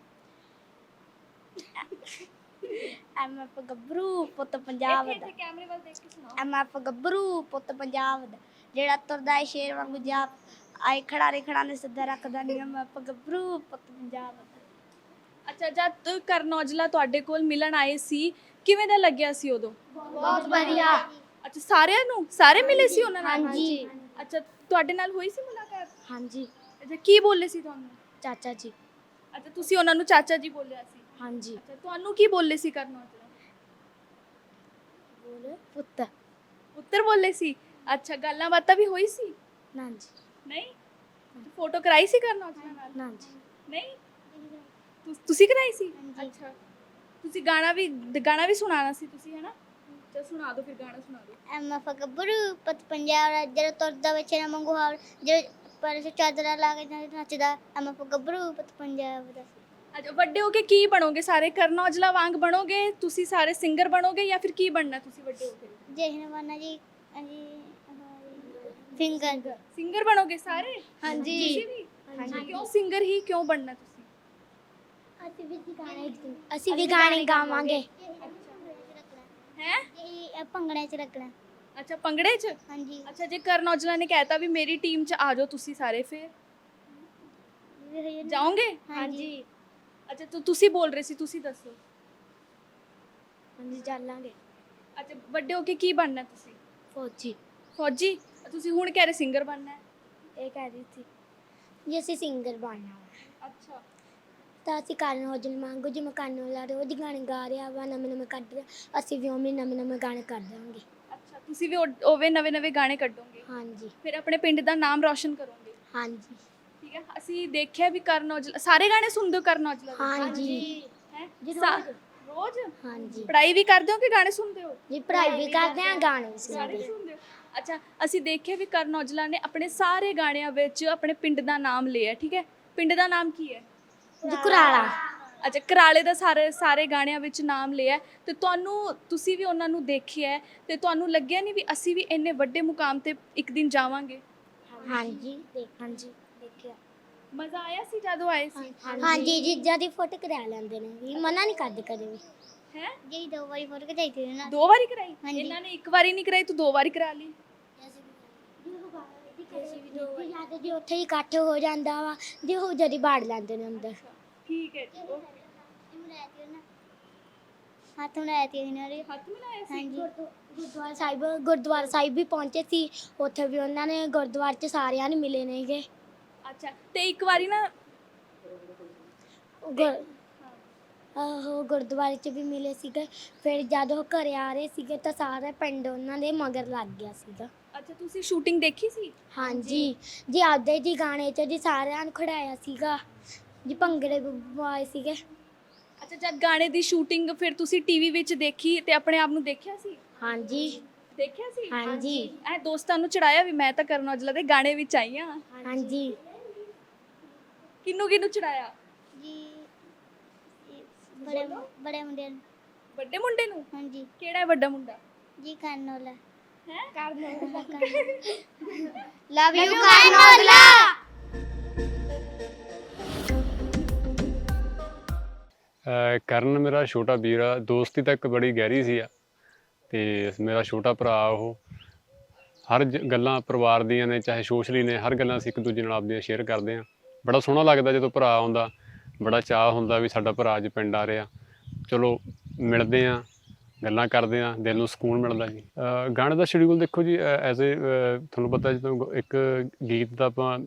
S2: MF ਗੱਭਰੂ ਪੁੱਤ ਪੰਜਾਬ ਦਾ,
S1: ਕੈਮਰੇ ਵੱਲ ਦੇਖ ਕੇ ਸੁਣਾਓ।
S2: MF ਗੱਭਰੂ ਪੁੱਤ ਪੰਜਾਬ ਦਾ, ਜਿਹੜਾ ਤੁਰਦਾ ਏ ਸ਼ੇਰ ਵਾਂਗੂ ਜਾਪ, ਆਏ ਖੜਾ ਨੇ ਸਿੱਧਾ ਰੱਖਦਾ ਨਹੀਂ। MF ਗੱਭਰੂ ਪੁੱਤ ਪੰਜਾਬ ਦਾ।
S1: ਅੱਛਾ, ਜਦ ਕਰਨ ਔਜਲਾ ਤੁਹਾਡੇ ਕੋਲ ਮਿਲਣ ਆਏ ਸੀ, ਕਿਵੇਂ ਦਾ ਲੱਗਿਆ ਸੀ ਉਦੋਂ?
S2: ਬਹੁਤ ਵਧੀਆ।
S1: ਅੱਛਾ, ਸਾਰਿਆਂ ਨੂੰ? ਸਾਰੇ ਮਿਲੇ ਸੀ ਉਹਨਾਂ ਨਾਲ?
S2: ਹਾਂਜੀ।
S1: ਅੱਛਾ, ਤੁਹਾਡੇ ਨਾਲ ਹੋਈ ਸੀ ਮੁਲਾਕਾਤ?
S2: ਹਾਂਜੀ।
S1: ਅੱਛਾ, ਕੀ ਬੋਲੇ ਸੀ ਤੁਹਾਨੂੰ?
S2: ਚਾਚਾ ਜੀ।
S1: ਅੱਛਾ, ਤੁਸੀਂ ਉਹਨਾਂ ਨੂੰ ਚਾਚਾ ਜੀ ਬੋਲਿਆ ਸੀ?
S2: ਹਾਂਜੀ।
S1: ਅੱਛਾ, ਤੁਹਾਨੂੰ ਕੀ ਬੋਲੇ ਸੀ ਕਰਨ ਔਜਲਾ?
S2: ਬੋਲੇ ਪੁੱਤ।
S1: ਉੱਤਰ ਬੋਲੇ ਸੀ? ਅੱਛਾ, ਗੱਲਾਂ ਬਾਤਾਂ ਵੀ ਹੋਈ ਸੀ?
S2: ਨਾ ਜੀ।
S1: ਨਹੀਂ? ਫੋਟੋ ਕਰਾਈ ਸੀ ਕਰਨ ਔਜਲਾ ਨਾਲ?
S2: ਨਾ ਜੀ।
S1: ਨਹੀਂ? ਤੁਸੀਂ ਕਰਾਈ ਸੀ? ਅੱਛਾ, ਤੁਸੀਂ ਗਾਣਾ ਵੀ ਸੁਣਾਉਣਾ ਸੀ ਤੁਸੀਂ, ਹੈ ਨਾ? ਚਲ ਸੁਣਾ ਦਿਓ ਫਿਰ, ਗਾਣਾ ਸੁਣਾ ਦਿਓ।
S2: MF ਗੱਭਰੂ ਪੁੱਤ ਪੰਜਾਬ ਦਾ, ਜਦੋਂ ਤੁਰਦਾ ਬੱਚੇ ਨਾ ਮੰਗੂ ਹਾਲ, ਜੇ ਪਰ ਚਾਦਰਾ ਲਾ ਕੇ ਨੱਚਦਾ। MF ਗੱਭਰੂ ਪੁੱਤ ਪੰਜਾਬ ਦਾ।
S1: ਅੱਛਾ ਵੱਡੇ ਹੋ ਕੇ ਕੀ ਬਣੋਗੇ? ਸਾਰੇ ਕਰਨ ਔਜਲਾ ਵਾਂਗ ਬਣੋਗੇ ਤੁਸੀਂ? ਸਾਰੇ ਸਿੰਗਰ ਬਣੋਗੇ ਜਾਂ ਫਿਰ ਕੀ ਬਣਨਾ ਤੁਸੀਂ ਵੱਡੇ ਹੋ ਕੇ?
S2: ਜਸ਼ਨ ਬਣਨਾ ਜੀ। ਹਾਂਜੀ ਸਿੰਗਰ।
S1: ਸਿੰਗਰ ਬਣੋਗੇ ਸਾਰੇ?
S2: ਹਾਂਜੀ।
S1: ਤੁਸੀਂ ਵੀ? ਹਾਂਜੀ। ਕਿਉਂ ਸਿੰਗਰ ਹੀ ਕਿਉਂ ਬਣਨਾ ਤੁਸੀਂ?
S2: ਅਸੀਂ ਵੀ ਗਾਣੇ ਗਾਵਾਂਗੇ।
S1: ਹੈ
S2: ਇਹ ਭੰਗੜੇ 'ਚ ਰੱਖਣਾ।
S1: ਅੱਛਾ ਭੰਗੜੇ 'ਚ?
S2: ਹਾਂਜੀ।
S1: ਅੱਛਾ ਜੇ ਕਰਨ ਔਜਲਾ ਨੇ ਕਹਿਤਾ ਵੀ ਮੇਰੀ ਟੀਮ 'ਚ ਆ ਜਾਓ ਤੁਸੀਂ ਸਾਰੇ, ਫਿਰ ਜਾਓਗੇ?
S2: ਹਾਂਜੀ।
S1: ਅੱਛਾ ਤੁਸੀਂ ਬੋਲ ਰਹੇ ਸੀ, ਤੁਸੀਂ ਦੱਸੋ।
S2: ਹਾਂਜੀ ਚੱਲਾਂਗੇ।
S1: ਅੱਛਾ ਵੱਡੇ ਹੋ ਕੇ ਕੀ ਬਣਨਾ ਤੁਸੀਂ?
S2: ਫੌਜੀ।
S1: ਫੌਜੀ? ਤੁਸੀਂ ਹੁਣ ਕਹਿ ਰਹੇ ਸਿੰਗਰ ਬਣਨਾ ਹੈ।
S2: ਇਹ ਕਹਿ ਰਹੀ ਸੀ ਜੀ ਅਸੀਂ ਸਿੰਗਰ ਬਣਨਾ ਵਾ।
S1: ਅੱਛਾ
S2: ਤਾਂ ਅਸੀਂ ਕਰਨ ਔਜਲਾ ਵਾਂਗੂ, ਜਿਵੇਂ ਕਰਨ ਔਜਲਾ ਰੋਜ਼ ਗਾਣੇ ਗਾ ਰਿਹਾ ਵਾ, ਨਵੇਂ ਕੱਢ ਰਿਹਾ, ਅਸੀਂ ਵੀ ਉਵੇਂ ਨਵੇਂ ਗਾਣੇ ਕੱਢ ਦਾਂਗੇ।
S1: ਅੱਛਾ ਤੁਸੀਂ ਵੀ ਉਵੇਂ ਨਵੇਂ ਗਾਣੇ ਕੱਢੋਗੇ?
S2: ਹਾਂਜੀ।
S1: ਫਿਰ ਆਪਣੇ ਪਿੰਡ ਦਾ ਨਾਮ ਰੌਸ਼ਨ ਕਰੋਗੇ?
S2: ਹਾਂਜੀ।
S1: ਠੀਕ ਹੈ। ਅਸੀਂ ਦੇਖਿਆ ਵੀ ਕਰਨ ਔਜਲਾ ਸਾਰੇ ਗਾਣੇ ਸੁਣਦੇ ਹੋ ਕਰਨ ਔਜਲਾ ਦੇ?
S2: ਹਾਂਜੀ।
S1: ਹੈ ਰੋਜ਼?
S2: ਹਾਂਜੀ।
S1: ਪੜ੍ਹਾਈ ਵੀ ਕਰਦੇ ਹੋ ਕਿ ਗਾਣੇ ਸੁਣਦੇ ਹੋ?
S2: ਜੀ ਪੜ੍ਹਾਈ ਵੀ ਕਰਦੇ ਆ, ਗਾਣੇ ਵੀ
S1: ਗਾਣੇ
S2: ਸੁਣਦੇ ਆ।
S1: ਸੁਣਦੇ ਹੋ? ਅੱਛਾ ਅਸੀਂ ਦੇਖਿਆ ਵੀ ਕਰਨ ਔਜਲਾ ਨੇ ਆਪਣੇ ਸਾਰੇ ਗਾਣਿਆਂ ਵਿੱਚ ਆਪਣੇ ਪਿੰਡ ਦਾ ਨਾਮ ਲਿਆ, ਠੀਕ ਹੈ? ਪਿੰਡ ਦਾ ਨਾਮ ਕੀ ਹੈ?
S2: ਜੀ ਕੁਰਾਲਾ।
S1: ਅੱਛਾ ਕਰਾਲੇ ਦਾ ਸਾਰੇ ਗਾਣਿਆਂ ਵਿੱਚ ਨਾਮ ਲਿਆ ਤੇ ਤੁਸੀਂ ਵੀ ਉਹਨਾਂ ਨੂੰ ਦੇਖਿਆ ਤੇ ਤੁਹਾਨੂੰ ਲੱਗਿਆ ਨਹੀਂ ਵੀ ਅਸੀਂ ਵੀ ਇੰਨੇ ਵੱਡੇ ਮੁਕਾਮ ਤੇ ਇੱਕ ਦਿਨ ਜਾਵਾਂਗੇ?
S2: ਹਾਂਜੀ ਦੇਖਿਆ।
S1: ਮਜ਼ਾ ਆਇਆ ਸੀ ਜਦੋਂ ਆਏ ਸੀ?
S2: ਹਾਂਜੀ ਜੀਜਾ ਦੀ ਫੋਟੋ ਕਰਾ ਲੈਂਦੇ ਨੇ ਵੀ, ਮਨਾ ਨਹੀਂ ਕਰਦੇ ਕਦੇ ਵੀ।
S1: ਹੈ
S2: ਜੀ 2 ਵਾਰੀ ਫੋਟੋ ਖਿਚਾਈ ਸੀ ਨਾ।
S1: 2 ਵਾਰੀ ਕਰਾਈ?
S2: ਹਾਂਜੀ।
S1: ਇਹਨਾਂ ਨੇ 1 ਵਾਰੀ ਨਹੀਂ ਕਰਾਈ, ਤੂੰ 2 ਵਾਰੀ ਕਰਾ ਲਈ।
S2: ਜੀ ਉੱਥੇ ਹੀ ਇਕੱਠ ਹੋ ਜਾਂਦਾ ਵਾ ਜੀ, ਉਹ ਜਦੀ ਬਾੜ ਲੈਂਦੇ ਨੇ ਅੰਦਰ।
S1: ਠੀਕ ਹੈ ਜੀ।
S2: ਹੱਥ ਮਿਲਾਇਆ ਸੀ ਇਹਨਾਂ ਨੇ।
S1: ਹੱਥ ਮਿਲਾਇਆ ਸੀ?
S2: ਹਾਂਜੀ। ਗੁਰਦੁਆਰਾ ਸਾਹਿਬ ਵੀ ਪਹੁੰਚੇ ਸੀ, ਉੱਥੇ ਵੀ ਉਹਨਾਂ ਨੇ ਗੁਰਦੁਆਰੇ 'ਚ ਸਾਰਿਆਂ ਨੂੰ ਮਿਲੇ ਨੇਗੇ।
S1: ਅੱਛਾ ਤੇ ਇੱਕ ਵਾਰੀ ਨਾ
S2: ਉਹ ਗੁਰਦੁਆਰੇ 'ਚ ਵੀ ਮਿਲੇ ਸੀਗੇ। ਫਿਰ ਜਦ ਉਹ ਘਰੇ ਆ ਰਹੇ ਸੀਗੇ ਤਾਂ ਸਾਰਾ ਪਿੰਡ ਉਹਨਾਂ ਦੇ ਮਗਰ ਲੱਗ ਗਿਆ ਸੀਗਾ।
S1: ਅੱਛਾ ਤੁਸੀਂ ਸ਼ੂਟਿੰਗ ਦੇਖੀ ਸੀ?
S2: ਹਾਂਜੀ ਜੀ ਆਪਦੇ ਜੀ ਗਾਣੇ 'ਚ ਜੀ ਸਾਰਿਆਂ ਨੂੰ ਖੜਾਇਆ ਸੀਗਾ ਜੀ, ਭੰਗੜੇ ਪਵਾਏ ਸੀਗੇ।
S1: ਅੱਛਾ ਜਦ ਗਾਣੇ ਦੀ ਸ਼ੂਟਿੰਗ ਫਿਰ ਤੁਸੀਂ ਟੀਵੀ ਵਿੱਚ ਦੇਖੀ ਤੇ ਆਪਣੇ ਆਪ ਨੂੰ ਦੇਖਿਆ ਸੀ?
S2: ਹਾਂਜੀ
S1: ਦੇਖਿਆ ਸੀ?
S2: ਹਾਂਜੀ।
S1: ਐ ਦੋਸਤਾਂ ਨੂੰ ਚੜਾਇਆ ਵੀ ਮੈਂ ਤਾਂ ਕਰਨ ਔਜਲਾ ਦੇ ਗਾਣੇ ਵਿੱਚ ਆਈ ਹਾਂ?
S2: ਹਾਂਜੀ।
S1: ਕਿਹਨੂੰ ਚੜਾਇਆ
S2: ਜੀ ਬੜੇ ਮੁੰਡੇ ਨੂੰ।
S1: ਵੱਡੇ ਮੁੰਡੇ ਨੂੰ?
S2: ਹਾਂਜੀ।
S1: ਕਿਹੜਾ ਹੈ ਵੱਡਾ ਮੁੰਡਾ?
S2: ਜੀ ਕਰਨ ਔਜਲਾ।
S1: ਹੈ
S2: ਲਵ ਯੂ ਕਰਨ ਔਜਲਾ।
S3: ਕਰਨ ਮੇਰਾ ਛੋਟਾ ਵੀਰ ਆ, ਦੋਸਤੀ ਤਾਂ ਇੱਕ ਬੜੀ ਗਹਿਰੀ ਸੀ ਆ ਤੇ ਮੇਰਾ ਛੋਟਾ ਭਰਾ ਉਹ। ਹਰ ਗੱਲਾਂ ਪਰਿਵਾਰ ਦੀਆਂ ਨੇ ਚਾਹੇ ਸੋਸ਼ਲੀ ਨੇ, ਹਰ ਗੱਲਾਂ ਅਸੀਂ ਇੱਕ ਦੂਜੇ ਨਾਲ ਆਪਦੀਆਂ ਸ਼ੇਅਰ ਕਰਦੇ ਹਾਂ। ਬੜਾ ਸੋਹਣਾ ਲੱਗਦਾ ਜਦੋਂ ਭਰਾ ਆਉਂਦਾ, ਬੜਾ ਚਾਅ ਹੁੰਦਾ ਵੀ ਸਾਡਾ ਭਰਾ ਅੱਜ ਪਿੰਡ ਆ ਰਿਹਾ। ਚਲੋ ਮਿਲਦੇ ਹਾਂ, ਗੱਲਾਂ ਕਰਦੇ ਹਾਂ, ਦਿਲ ਨੂੰ ਸਕੂਨ ਮਿਲਦਾ ਜੀ। ਗਾਣੇ ਦਾ ਸ਼ਡਿਊਲ ਦੇਖੋ ਜੀ, ਐਜ਼ ਏ ਤੁਹਾਨੂੰ ਪਤਾ ਜਦੋਂ ਇੱਕ ਗੀਤ ਦਾ ਆਪਾਂ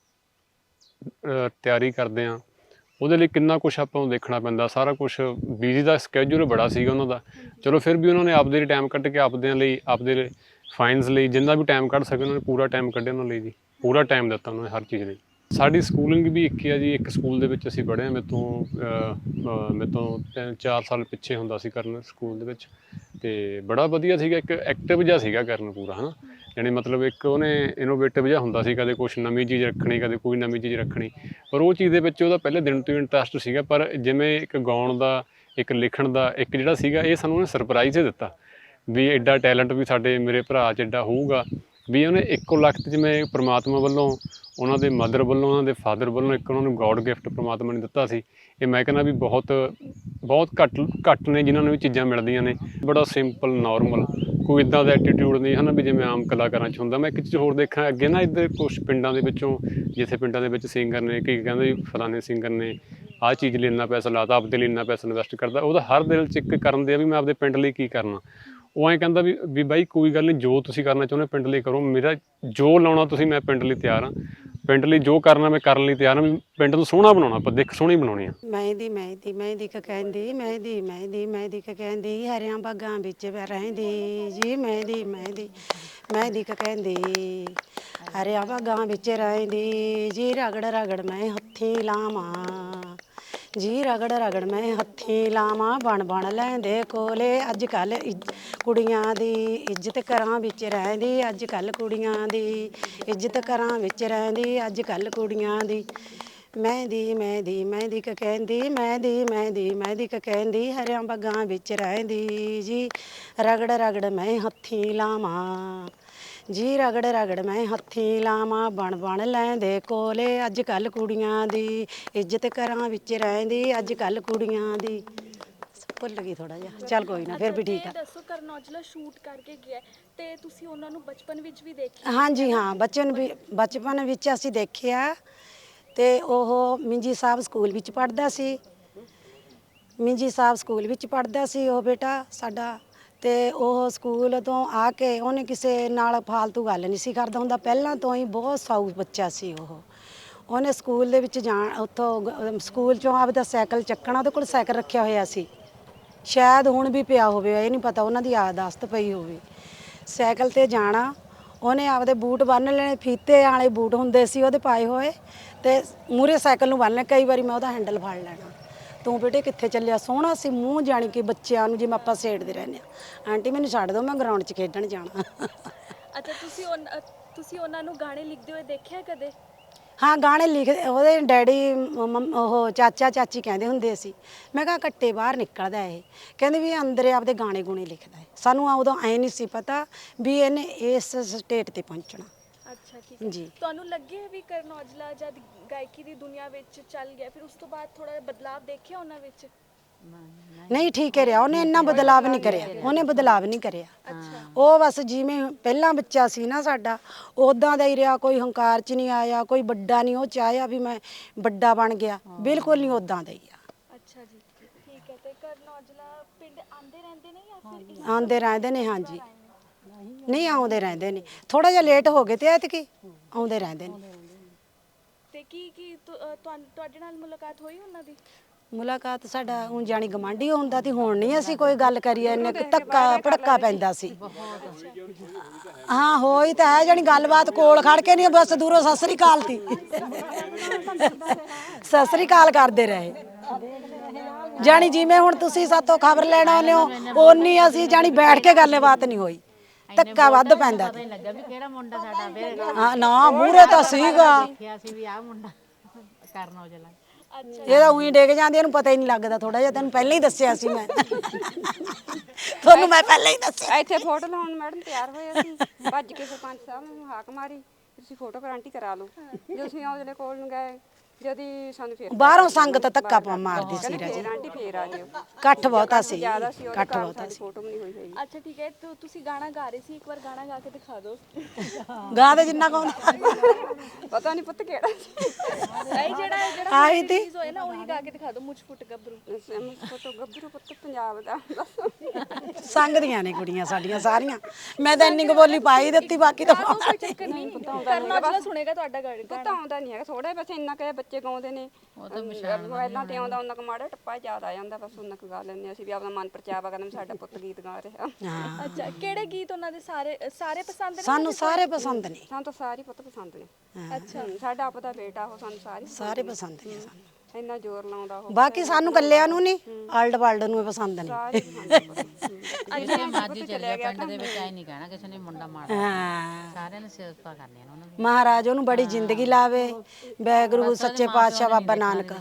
S3: ਤਿਆਰੀ ਕਰਦੇ ਹਾਂ, ਉਹਦੇ ਲਈ ਕਿੰਨਾ ਕੁਛ ਆਪਾਂ ਨੂੰ ਦੇਖਣਾ ਪੈਂਦਾ, ਸਾਰਾ ਕੁਛ। ਬਿਜ਼ੀ ਦਾ ਸਕੈਜੂਲ ਬੜਾ ਸੀਗਾ ਉਹਨਾਂ ਦਾ, ਚਲੋ ਫਿਰ ਵੀ ਉਹਨਾਂ ਨੇ ਆਪਦੇ ਲਈ ਟਾਈਮ ਕੱਢ ਕੇ ਆਪਦੇ ਫਾਈਨਸ ਲਈ ਜਿੰਨਾ ਵੀ ਟਾਈਮ ਕੱਢ ਸਕੇ ਉਹਨਾਂ ਨੇ ਪੂਰਾ ਟਾਈਮ ਕੱਢਿਆ ਉਹਨਾਂ ਲਈ ਜੀ, ਪੂਰਾ ਟਾਈਮ ਦਿੱਤਾ ਉਹਨਾਂ ਨੇ ਹਰ ਚੀਜ਼ ਲਈ। ਸਾਡੀ ਸਕੂਲਿੰਗ ਵੀ ਇੱਕ ਹੀ ਆ ਜੀ, ਇੱਕ ਸਕੂਲ ਦੇ ਵਿੱਚ ਅਸੀਂ ਪੜ੍ਹੇ ਹਾਂ। ਮੇਰੇ ਤੋਂ 3-4 ਸਾਲ ਪਿੱਛੇ ਹੁੰਦਾ ਸੀ ਕਰਨ ਸਕੂਲ ਦੇ ਵਿੱਚ, ਅਤੇ ਬੜਾ ਵਧੀਆ ਸੀਗਾ। ਇੱਕ ਐਕਟਿਵ ਜਿਹਾ ਸੀਗਾ ਕਰਨ ਪੂਰਾ, ਹੈ ਨਾ, ਯਾਨੀ ਮਤਲਬ ਇੱਕ ਉਹਨੇ ਇਨੋਵੇਟਿਵ ਜਿਹਾ ਹੁੰਦਾ ਸੀ, ਕਦੇ ਕੁਛ ਨਵੀਂ ਚੀਜ਼ ਰੱਖਣੀ, ਕਦੇ ਕੋਈ ਨਵੀਂ ਚੀਜ਼ ਰੱਖਣੀ। ਪਰ ਉਹ ਚੀਜ਼ ਦੇ ਵਿੱਚ ਉਹਦਾ ਪਹਿਲੇ ਦਿਨ ਤੋਂ ਹੀ ਇੰਟਰਸਟ ਸੀਗਾ। ਪਰ ਜਿਵੇਂ ਇੱਕ ਗਾਉਣ ਦਾ, ਇੱਕ ਲਿਖਣ ਦਾ, ਇੱਕ ਜਿਹੜਾ ਸੀਗਾ, ਇਹ ਸਾਨੂੰ ਉਹਨੇ ਸਰਪ੍ਰਾਈਜ਼ ਹੀ ਦਿੱਤਾ ਵੀ ਐਡਾ ਟੈਲੈਂਟ ਵੀ ਮੇਰੇ ਭਰਾ 'ਚ ਐਡਾ ਹੋਊਗਾ। ਵੀ ਉਹਨੇ ਇੱਕੋ ਲਖਤ ਜਿਵੇਂ ਪ੍ਰਮਾਤਮਾ ਵੱਲੋਂ, ਉਹਨਾਂ ਦੇ ਮਦਰ ਵੱਲੋਂ, ਉਹਨਾਂ ਦੇ ਫਾਦਰ ਵੱਲੋਂ ਇੱਕ ਉਹਨਾਂ ਨੂੰ ਗੋਡ ਗਿਫਟ ਪ੍ਰਮਾਤਮਾ ਨੇ ਦਿੱਤਾ ਸੀ। ਇਹ ਮੈਂ ਕਹਿੰਦਾ ਵੀ ਬਹੁਤ ਘੱਟ ਨੇ ਜਿਨ੍ਹਾਂ ਨੂੰ ਵੀ ਚੀਜ਼ਾਂ ਮਿਲਦੀਆਂ ਨੇ। ਬੜਾ ਸਿੰਪਲ ਨੋਰਮਲ, ਕੋਈ ਇੱਦਾਂ ਦਾ ਐਟੀਟਿਊਡ ਨਹੀਂ ਹੈ ਨਾ ਵੀ ਜਿਵੇਂ ਆਮ ਕਲਾਕਾਰਾਂ 'ਚ ਹੁੰਦਾ। ਮੈਂ ਇੱਕ ਚੀਜ਼ ਹੋਰ ਦੇਖਾਂ ਅੱਗੇ ਨਾ, ਇੱਧਰ ਕੁਛ ਪਿੰਡਾਂ ਦੇ ਵਿੱਚੋਂ, ਜਿੱਥੇ ਪਿੰਡਾਂ ਦੇ ਵਿੱਚ ਸਿੰਗਰ ਨੇ, ਕੀ ਕਹਿੰਦੇ ਵੀ ਫਲਾਣੇ ਸਿੰਗਰ ਨੇ ਆਹ ਚੀਜ਼ ਲਈ ਇੰਨਾ ਪੈਸਾ ਲਾਤਾ, ਆਪਦੇ ਲਈ ਇੰਨਾ ਪੈਸਾ ਇਨਵੈਸਟ ਕਰਦਾ, ਉਹਦਾ ਹਰ ਦਿਲ 'ਚ ਇੱਕ ਕਰਨ ਦੇ ਆ ਵੀ ਮੈਂ ਆਪਦੇ ਪਿੰਡ ਲਈ ਕੀ ਕਰਨਾ। ਉਹ ਐਂ ਕਹਿੰਦਾ ਵੀ ਬਾਈ ਕੋਈ ਗੱਲ ਨਹੀਂ, ਜੋ ਤੁਸੀਂ ਕਰਨਾ ਚਾਹੁੰਦੇ ਪਿੰਡ ਲਈ ਕਰੋ, ਮੇਰਾ ਜੋ ਲਾਉਣਾ ਤੁਸੀਂ, ਮੈਂ ਪਿੰਡ ਲਈ ਤਿਆਰ ਹਾਂ, ਪਿੰਡ ਲਈ ਜੋ ਕਰਨਾ ਮੈਂ ਕਰਨ ਲਈ ਤਿਆਰ ਹਾਂ। ਵੀ ਪਿੰਡ ਨੂੰ ਸੋਹਣਾ ਬਣਾਉਣਾ, ਆਪਾਂ ਦਿੱਖ ਸੋਹਣੀ ਬਣਾਉਣੀ ਆ।
S6: ਮਹਿੰਦੀ ਕ ਮਹਿੰਦੀ ਕ ਕਹਿੰਦੀ ਹਰਿਆਂ ਬਾਗਾਂ ਵਿੱਚ ਰਹਿੰਦੀ ਜੀ, ਮਹਿੰਦੀ ਕ ਕਹਿੰਦੀ ਹਰਿਆਂ ਬਾਗਾਂ ਵਿੱਚ ਰਹਿੰਦੀ ਜੀ, ਰਗੜ ਮੈਂ ਹੱਥੀਂ ਲਾਵਾਂ ਜੀ, ਰਗੜ ਮੈਂ ਹੱਥੀਂ ਲਾਵਾਂ, ਬਣ ਲੈਂਦੇ ਕੋਲੇ ਅੱਜ ਕੱਲ੍ਹ ਕੁੜੀਆਂ ਦੀ ਇੱਜ਼ਤ ਘਰਾਂ ਵਿੱਚ ਰਹਿੰਦੀ, ਅੱਜ ਕੱਲ੍ਹ ਕੁੜੀਆਂ ਦੀ ਇੱਜ਼ਤ ਘਰਾਂ ਵਿੱਚ ਰਹਿੰਦੀ, ਅੱਜ ਕੱਲ੍ਹ ਕੁੜੀਆਂ ਦੀ ਮਹਿੰਦੀ ਮਹਿੰਦੀ ਮਹਿੰਦੀ ਕ ਕਹਿੰਦੀ ਮਹਿੰਦੀ ਮਹਿੰਦੀ ਮਹਿੰਦੀ ਕ ਕਹਿੰਦੀ ਹਰਿਆਂ ਬਾਗਾਂ ਵਿੱਚ ਰਹਿੰਦੀ ਜੀ ਰਗੜ ਰਗੜ ਮੈਂ ਹੱਥੀਂ ਲਾਵਾਂ ਜੀ ਰਗੜ ਰਗੜ ਮੈਂ ਹੱਥੀਂ ਲਾਵਾਂ ਬਣ ਬਣ ਲੈਂਦੇ ਕੋਲੇ ਅੱਜ ਕੱਲ ਕੁੜੀਆਂ ਦੀ ਇੱਜ਼ਤ ਘਰਾਂ ਵਿੱਚ ਰਹਿੰਦੀ ਅੱਜ ਕੱਲ ਕੁੜੀਆਂ ਦੀ ਭੁੱਲ ਗਈ ਥੋੜਾ ਜਿਹਾ ਚੱਲ ਕੋਈ ਨਾ ਫਿਰ ਵੀ ਠੀਕ ਆ।
S1: ਇਹ ਦੱਸੋ ਕਰਨ ਔਜਲਾ ਸ਼ੂਟ ਕਰਕੇ ਗਿਆ ਤੇ ਤੁਸੀਂ ਉਹਨਾਂ ਨੂੰ ਬਚਪਨ ਵਿੱਚ ਵੀ ਦੇਖਿਆ?
S6: ਹਾਂਜੀ ਹਾਂ ਬਚਪਨ ਵਿੱਚ ਅਸੀਂ ਦੇਖਿਆ ਤੇ ਉਹ ਮਿੰਜੀ ਸਾਹਿਬ ਸਕੂਲ ਵਿੱਚ ਪੜ੍ਹਦਾ ਸੀ। ਮਿੰਜੀ ਸਾਹਿਬ ਸਕੂਲ ਵਿੱਚ ਪੜ੍ਹਦਾ ਸੀ ਉਹ ਬੇਟਾ ਸਾਡਾ। ਤੇ ਉਹ ਸਕੂਲ ਤੋਂ ਆ ਕੇ ਉਹਨੇ ਕਿਸੇ ਨਾਲ ਫਾਲਤੂ ਗੱਲ ਨਹੀਂ ਸੀ ਕਰਦਾ ਹੁੰਦਾ, ਪਹਿਲਾਂ ਤੋਂ ਹੀ ਬਹੁਤ ਸਾਊ ਬੱਚਾ ਸੀ ਉਹ। ਉਹਨੇ ਸਕੂਲ ਦੇ ਵਿੱਚ ਜਾਣ ਉੱਥੋਂ ਸਕੂਲ ਚੋਂ ਆਪਦਾ ਸਾਈਕਲ ਚੱਕਣਾ, ਉਹਦੇ ਕੋਲ ਸਾਈਕਲ ਰੱਖਿਆ ਹੋਇਆ ਸੀ, ਸ਼ਾਇਦ ਹੁਣ ਵੀ ਪਿਆ ਹੋਵੇ, ਇਹ ਨਹੀਂ ਪਤਾ, ਉਹਨਾਂ ਦੀ ਆਦਤ ਪਈ ਹੋਵੇ। ਸਾਈਕਲ ਤੇ ਜਾਣਾ, ਉਹਨੇ ਆਪਦੇ ਬੂਟ ਬੰਨ੍ਹ ਲੈਣੇ, ਫੀਤੇ ਵਾਲੇ ਬੂਟ ਹੁੰਦੇ ਸੀ ਉਹਦੇ ਪਾਏ ਹੋਏ, ਤੇ ਮੂਹਰੇ ਸਾਈਕਲ ਨੂੰ ਬੰਨ੍ਹ ਲੈ। ਕਈ ਵਾਰੀ ਮੈਂ ਉਹਦਾ ਹੈਂਡਲ ਫੜ ਲੈਣਾ, ਤੂੰ ਬੇਟੇ ਕਿੱਥੇ ਚੱਲਿਆ? ਸੋਹਣਾ ਸੀ ਮੂੰਹ, ਜਾਣੀ ਕਿ ਬੱਚਿਆਂ ਨੂੰ ਜਿਵੇਂ ਆਪਾਂ ਛੇੜਦੇ ਰਹਿੰਦੇ ਹਾਂ, ਆਂਟੀ ਮੈਨੂੰ ਛੱਡ ਦਿਓ ਮੈਂ ਗਰਾਊਂਡ 'ਚ ਖੇਡਣ ਜਾਣਾ।
S1: ਅੱਛਾ, ਤੁਸੀਂ ਉਹਨਾਂ ਨੂੰ ਗਾਣੇ ਲਿਖਦੇ ਹੋਏ ਦੇਖਿਆ ਕਦੇ?
S6: ਹਾਂ ਗਾਣੇ ਲਿਖਦੇ, ਉਹਦੇ ਡੈਡੀ ਉਹ ਚਾਚਾ ਚਾਚੀ ਕਹਿੰਦੇ ਹੁੰਦੇ ਸੀ। ਮੈਂ ਕਿਹਾ ਕੱਟੇ ਬਾਹਰ ਨਿਕਲਦਾ ਇਹ, ਕਹਿੰਦੇ ਵੀ ਅੰਦਰੇ ਆਪਦੇ ਗਾਣੇ ਗੁਣੇ ਲਿਖਦਾ ਹੈ। ਸਾਨੂੰ ਉਦੋਂ ਐ ਨਹੀਂ ਸੀ ਪਤਾ ਵੀ ਇਹਨੇ ਇਸ ਸਟੇਟ ਤੇ ਪਹੁੰਚਣਾ।
S1: ਅੱਛਾ ਠੀਕ ਹੈ ਜੀ। ਤੁਹਾਨੂੰ ਲੱਗਿਆ ਵੀ ਕਰਨ ਔਜਲਾ ਜਦ ਗਾਇਕੀ ਦੀ ਦੁਨੀਆ ਵਿੱਚ ਚੱਲ ਗਿਆ, ਫਿਰ ਉਸ ਤੋਂ ਬਾਅਦ ਥੋੜਾ ਜਿਹਾ ਬਦਲਾਅ ਦੇਖਿਆ ਉਹਨਾਂ ਵਿੱਚ?
S6: ਨਹੀਂ ਠੀਕ ਹੈ ਰਿਹਾ, ਉਹਨੇ ਇੰਨਾ ਬਦਲਾਵ ਨਹੀਂ ਕਰਿਆ, ਉਹਨੇ ਬਦਲਾਵ ਨਹੀਂ ਕਰਿਆ। ਉਹ ਬਸ ਜਿਵੇਂ ਪਹਿਲਾਂ ਬੱਚਾ ਸੀ ਨਾ ਸਾਡਾ, ਉਦਾਂ ਦਾ ਹੀ ਰਿਹਾ, ਕੋਈ ਹੰਕਾਰ 'ਚ ਨਹੀਂ ਆਇਆ, ਕੋਈ ਵੱਡਾ ਨਹੀਂ ਉਹ ਚਾਹਿਆ ਵੀ ਮੈਂ ਵੱਡਾ ਬਣ ਗਿਆ, ਬਿਲਕੁਲ ਨਹੀਂ ਉਦਾਂ ਦਾ ਹੀ ਆ।
S1: ਅੱਛਾ ਜੀ ਠੀਕ ਹੈ। ਤੇ ਕਰਨ ਔਜਲਾ ਪਿੰਡ ਆਉਂਦੇ ਰਹਿੰਦੇ ਨੇ ਜਾਂ ਫਿਰ
S6: ਆਉਂਦੇ ਰਹਿੰਦੇ ਨੇ? ਹਾਂਜੀ ਨਹੀਂ ਆਉਂਦੇ ਰਹਿੰਦੇ ਨੇ, ਥੋੜਾ ਜਿਹਾ ਲੇਟ ਹੋ ਗਏ ਤੇ ਐਤਕੀ ਆਉਂਦੇ ਰਹਿੰਦੇ ਨੇ।
S1: ਤੇ ਕੀ ਤੁਹਾਡੇ ਨਾਲ ਮੁਲਾਕਾਤ ਹੋਈ ਉਹਨਾਂ ਦੀ?
S6: ਮੁਲਾਕਾਤ ਸਾਡਾ ਹੁਣ ਜਾਣੀ ਗਵਾਂਢੀ ਹੁੰਦਾ ਤੇ ਹੁਣ ਨਹੀਂ ਅਸੀਂ ਕੋਈ ਗੱਲ ਕਰੀਏ, ਇੰਨੇ ਧੱਕਾ ਭੜਕਾ ਪੈਂਦਾ ਸੀ। ਹਾਂ ਹੋਈ ਤਾਂ ਹੈ, ਜਾਣੀ ਗੱਲਬਾਤ ਕੋਲ ਖੜ ਕੇ ਨਹੀਂ, ਬਸ ਦੂਰੋਂ ਸਤਿ ਸ੍ਰੀ ਅਕਾਲ ਤੀ, ਸਤਿ ਸ੍ਰੀ ਅਕਾਲ ਕਰਦੇ ਰਹੇ। ਜਾਣੀ ਜਿਵੇਂ ਹੁਣ ਤੁਸੀਂ ਸਾਤੋਂ ਖਬਰ ਲੈਣ ਆਉਂਦੇ ਹੋ, ਓਨੀ ਅਸੀਂ ਜਾਣੀ ਬੈਠ ਕੇ ਗੱਲਬਾਤ ਨਹੀਂ ਹੋਈ, ਧੱਕਾ ਵੱਧ ਪੈਂਦਾ। ਹਾਂ ਨਾ ਮੂਹਰੇ ਤਾਂ ਸੀਗਾ, ਇਹਦਾ ਉਹੀ ਡਿੱਗ ਜਾਂਦੀ, ਇਹਨੂੰ ਪਤਾ ਹੀ ਨਹੀਂ ਲੱਗਦਾ। ਥੋੜਾ ਜਿਹਾ ਤੈਨੂੰ ਪਹਿਲਾਂ ਹੀ ਦੱਸਿਆ ਸੀ ਮੈਂ, ਤੁਹਾਨੂੰ ਮੈਂ ਪਹਿਲਾਂ ਹੀ ਦੱਸਿਆ।
S13: ਇੱਥੇ ਫੋਟੋ ਲਾਉਣ ਮੈਡਮ ਤਿਆਰ ਹੋਏ ਅਸੀਂ, ਭੱਜ ਕੇ ਸਰਪੰਚ ਸਾਹਿਬ ਨੂੰ ਹਾਕ ਮਾਰੀ, ਤੁਸੀਂ ਫੋਟੋ ਗਰੰਟੀ ਕਰਾ ਲਓ। ਜਦੋਂ ਅਸੀਂ ਔਜਲੇ ਕੋਲ ਨੂੰ ਗਏ, ਜਦੀ ਸਾਨੂੰ ਫੇਰ
S6: ਬਾਹਰੋਂ ਸੰਗਤ ਧੱਕਾ ਮਾਰਦੀ ਸੀ ਰਾਜੇ,
S13: ਆਂਟੀ ਫੇਰ ਆ ਜਿਓ,
S6: ਇਕੱਠ ਬਹੁਤਾ ਸੀ,
S13: ਇਕੱਠ ਬਹੁਤਾ ਸੀ, ਫੋਟੋ ਵੀ ਨਹੀਂ ਹੋਈ ਹੈਗੀ।
S1: ਅੱਛਾ ਠੀਕ ਹੈ, ਤੁਸੀਂ ਗਾਣਾ ਗਾ ਰਹੇ ਸੀ, ਇੱਕ ਵਾਰ ਗਾਣਾ ਗਾ ਕੇ ਦਿਖਾ ਦਿਓ।
S6: ਗਾ ਦੇ ਜਿੰਨਾ ਕੌਣ
S13: ਪਤਾ ਨਹੀਂ ਪੁੱਤ ਕਿਹੜਾ
S1: ਨਹੀਂ ਜਿਹੜਾ
S6: ਆਈ ਤੀ
S1: ਹੋਏ ਨਾ ਉਹੀ ਗਾ ਕੇ ਦਿਖਾ ਦਿਓ, ਮੁੱਛ ਫੁੱਟ ਗੱਭਰੂ।
S13: ਫੋਟੋ ਗੱਭਰੂ ਪੁੱਤ ਪੰਜਾਬ ਦਾ
S6: ਸੰਗਦੀਆਂ ਨੇ ਕੁੜੀਆਂ ਸਾਡੀਆਂ ਸਾਰੀਆਂ, ਮੈਂ ਤਾਂ ਇੰਨੀ ਕੁ ਬੋਲੀ ਪਾਈ ਦਿੱਤੀ, ਬਾਕੀ ਤਾਂ
S1: ਕੋਈ ਚੱਕਰ ਨਹੀਂ, ਕਰਨ ਔਜਲਾ ਸੁਣੇਗਾ ਤੁਹਾਡਾ ਗਾਣਾ।
S13: ਪੁੱਤ ਆਉਂਦਾ ਨਹੀਂ ਹੈਗਾ, ਥੋੜਾ ਵੈਸੇ ਇੰਨਾ ਕਿ ਬੱਚੇ ਗਾਉਂਦੇ ਨੇ, ਪਹਿਲਾਂ ਤੇ ਆਉਂਦਾ ਉਹਨਾਂ ਕੁ ਮਾੜਾ ਟੱਪਾ ਯਾਦ ਆ ਜਾਂਦਾ, ਬਸ ਉਹਨਾਂ ਕੁ ਗਾ ਲੈਂਦੇ ਅਸੀਂ ਵੀ, ਆਪਣਾ ਮਨ ਪਰਚਾਵਾ ਕਰਨ ਸਾਡਾ ਪੁੱਤ ਗੀਤ ਗਾ ਰਿਹਾ।
S1: ਅੱਛਾ ਕਿਹੜੇ ਗੀਤ ਉਹਨਾਂ ਦੇ ਸਾਰੇ ਪਸੰਦ ਨੇ?
S6: ਸਾਨੂੰ ਸਾਰੇ ਪਸੰਦ ਨੇ,
S13: ਸਾਨੂੰ ਤਾਂ ਸਾਰੇ ਪੁੱਤ ਪਸੰਦ ਨੇ। ਅੱਛਾ ਸਾਡਾ ਆਪਦਾ ਬੇਟਾ ਉਹ, ਸਾਨੂੰ
S6: ਸਾਰੇ ਪਸੰਦ ਨੇ ਸਾਨੂੰ,
S13: ਇੰਨਾ ਜ਼ੋਰ ਲਾਉਂਦਾ ਉਹ।
S6: ਬਾਕੀ ਸਾਨੂੰ ਕੱਲਿਆਂ ਨੂੰ ਨਹੀਂ, ਆਲਡ ਵਰਲਡ ਨੂੰ ਪਸੰਦ ਨੇ।
S14: ਸਾਰਿਆਂ ਨੇ ਸਿਫਤਾਂ ਕਰਨੀਆਂ ਉਹਨਾਂ ਦੀ,
S6: ਮਹਾਰਾਜ ਉਹਨੂੰ ਬੜੀ ਜ਼ਿੰਦਗੀ ਲਾਵੇ, ਵਾਹਿਗੁਰੂ ਸੱਚੇ ਪਾਤਸ਼ਾਹ ਬਾਬਾ ਨਾਨਕ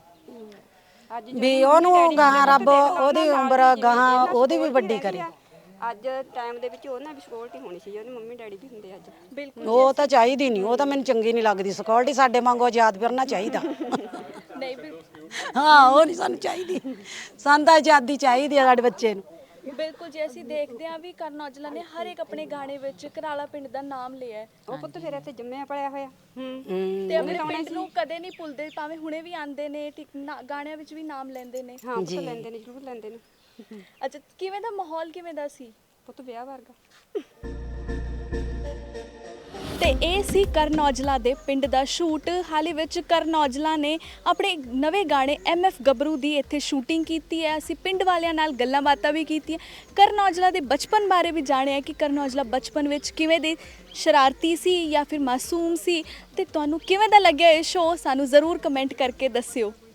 S6: ਵੀ ਉਹਨੂੰ ਗਾਹਾਂ ਰੱਬ ਉਹਦੀ ਉਮਰ ਗਾਹਾਂ ਉਹਦੀ ਵੀ ਵੱਡੀ ਕਰੇ।
S13: ਅੱਜ ਟਾਈਮ ਦੇ ਵਿੱਚ ਉਹਨਾਂ ਵੀ ਸਿਕਿਉਰਿਟੀ ਹੋਣੀ ਸੀ, ਉਹਦੇ ਮੰਮੀ ਡੈਡੀ ਵੀ ਹੁੰਦੇ ਅੱਜ।
S1: ਬਿਲਕੁਲ
S6: ਉਹ ਤਾਂ ਚਾਹੀਦੀ ਨਹੀਂ, ਉਹ ਤਾਂ ਮੈਨੂੰ ਚੰਗੀ ਨਹੀਂ ਲੱਗਦੀ ਸਿਕਿਉਰਿਟੀ, ਸਾਡੇ ਵਾਂਗੂ ਆਜ਼ਾਦ ਫਿਰਨਾ ਚਾਹੀਦਾ।
S1: ਨਹੀਂ
S6: ਹਾਂ ਉਹ ਨਹੀਂ ਸਾਨੂੰ ਚਾਹੀਦੀ, ਸਾਨੂੰ ਤਾਂ ਆਜ਼ਾਦੀ ਚਾਹੀਦੀ ਆ ਸਾਡੇ ਬੱਚੇ ਨੂੰ।
S1: ਬਿਲਕੁਲ ਜੀ, ਅਸੀਂ ਦੇਖਦੇ ਹਾਂ ਵੀ ਕਰਨ ਔਜਲਾ ਨੇ ਹਰ ਇੱਕ ਆਪਣੇ ਗਾਣੇ ਵਿੱਚ ਘਰਾਲਾ ਪਿੰਡ ਦਾ ਨਾਮ ਲਿਆ ਹੈ।
S13: ਉਹ ਪੁੱਤ ਫਿਰ ਇੱਥੇ ਜੰਮਿਆ ਪਲਿਆ ਹੋਇਆ,
S1: ਤੇ ਆਪਣੇ ਪਿੰਡ ਨੂੰ ਕਦੇ ਨਹੀਂ ਭੁੱਲਦੇ, ਭਾਵੇਂ ਹੁਣੇ ਵੀ ਆਉਂਦੇ ਨੇ, ਗਾਣਿਆਂ ਵਿੱਚ ਵੀ ਨਾਮ ਲੈਂਦੇ ਨੇ।
S13: ਹਾਂ ਪੁੱਤ ਲੈਂਦੇ ਨੇ, ਜ਼ਰੂਰ ਲੈਂਦੇ ਨੇ।
S1: ਅੱਛਾ ਕਿਵੇਂ ਦਾ ਮਾਹੌਲ ਕਿਵੇਂ ਦਾ ਸੀ?
S13: ਪੁੱਤ ਵਿਆਹ ਵਰਗਾ।
S1: ਤੇ ਇਹ ਸੀ ਕਰਨ ਔਜਲਾ ਦੇ ਪਿੰਡ ਦਾ ਸ਼ੂਟ। ਹਾਲ ਹੀ ਵਿੱਚ ਕਰਨ ਔਜਲਾ ਨੇ ਆਪਣੇ ਨਵੇਂ ਗਾਣੇ MF ਗੱਭਰੂ ਦੀ ਇੱਥੇ ਸ਼ੂਟਿੰਗ ਕੀਤੀ ਹੈ। ਅਸੀਂ ਪਿੰਡ ਵਾਲਿਆਂ ਨਾਲ ਗੱਲਾਂ ਬਾਤਾਂ ਵੀ ਕੀਤੀਆਂ, ਕਰਨ ਔਜਲਾ ਦੇ ਬਚਪਨ ਬਾਰੇ ਵੀ ਜਾਣਿਆ ਕਿ ਕਰਨ ਔਜਲਾ ਬਚਪਨ ਵਿੱਚ ਕਿਵੇਂ ਦੇ ਸ਼ਰਾਰਤੀ ਸੀ ਜਾਂ ਫਿਰ ਮਾਸੂਮ ਸੀ। ਤੇ ਤੁਹਾਨੂੰ ਕਿਵੇਂ ਦਾ ਲੱਗਿਆ ਇਹ ਸ਼ੋਅ, ਸਾਨੂੰ ਜ਼ਰੂਰ ਕਮੈਂਟ ਕਰਕੇ ਦੱਸਿਓ।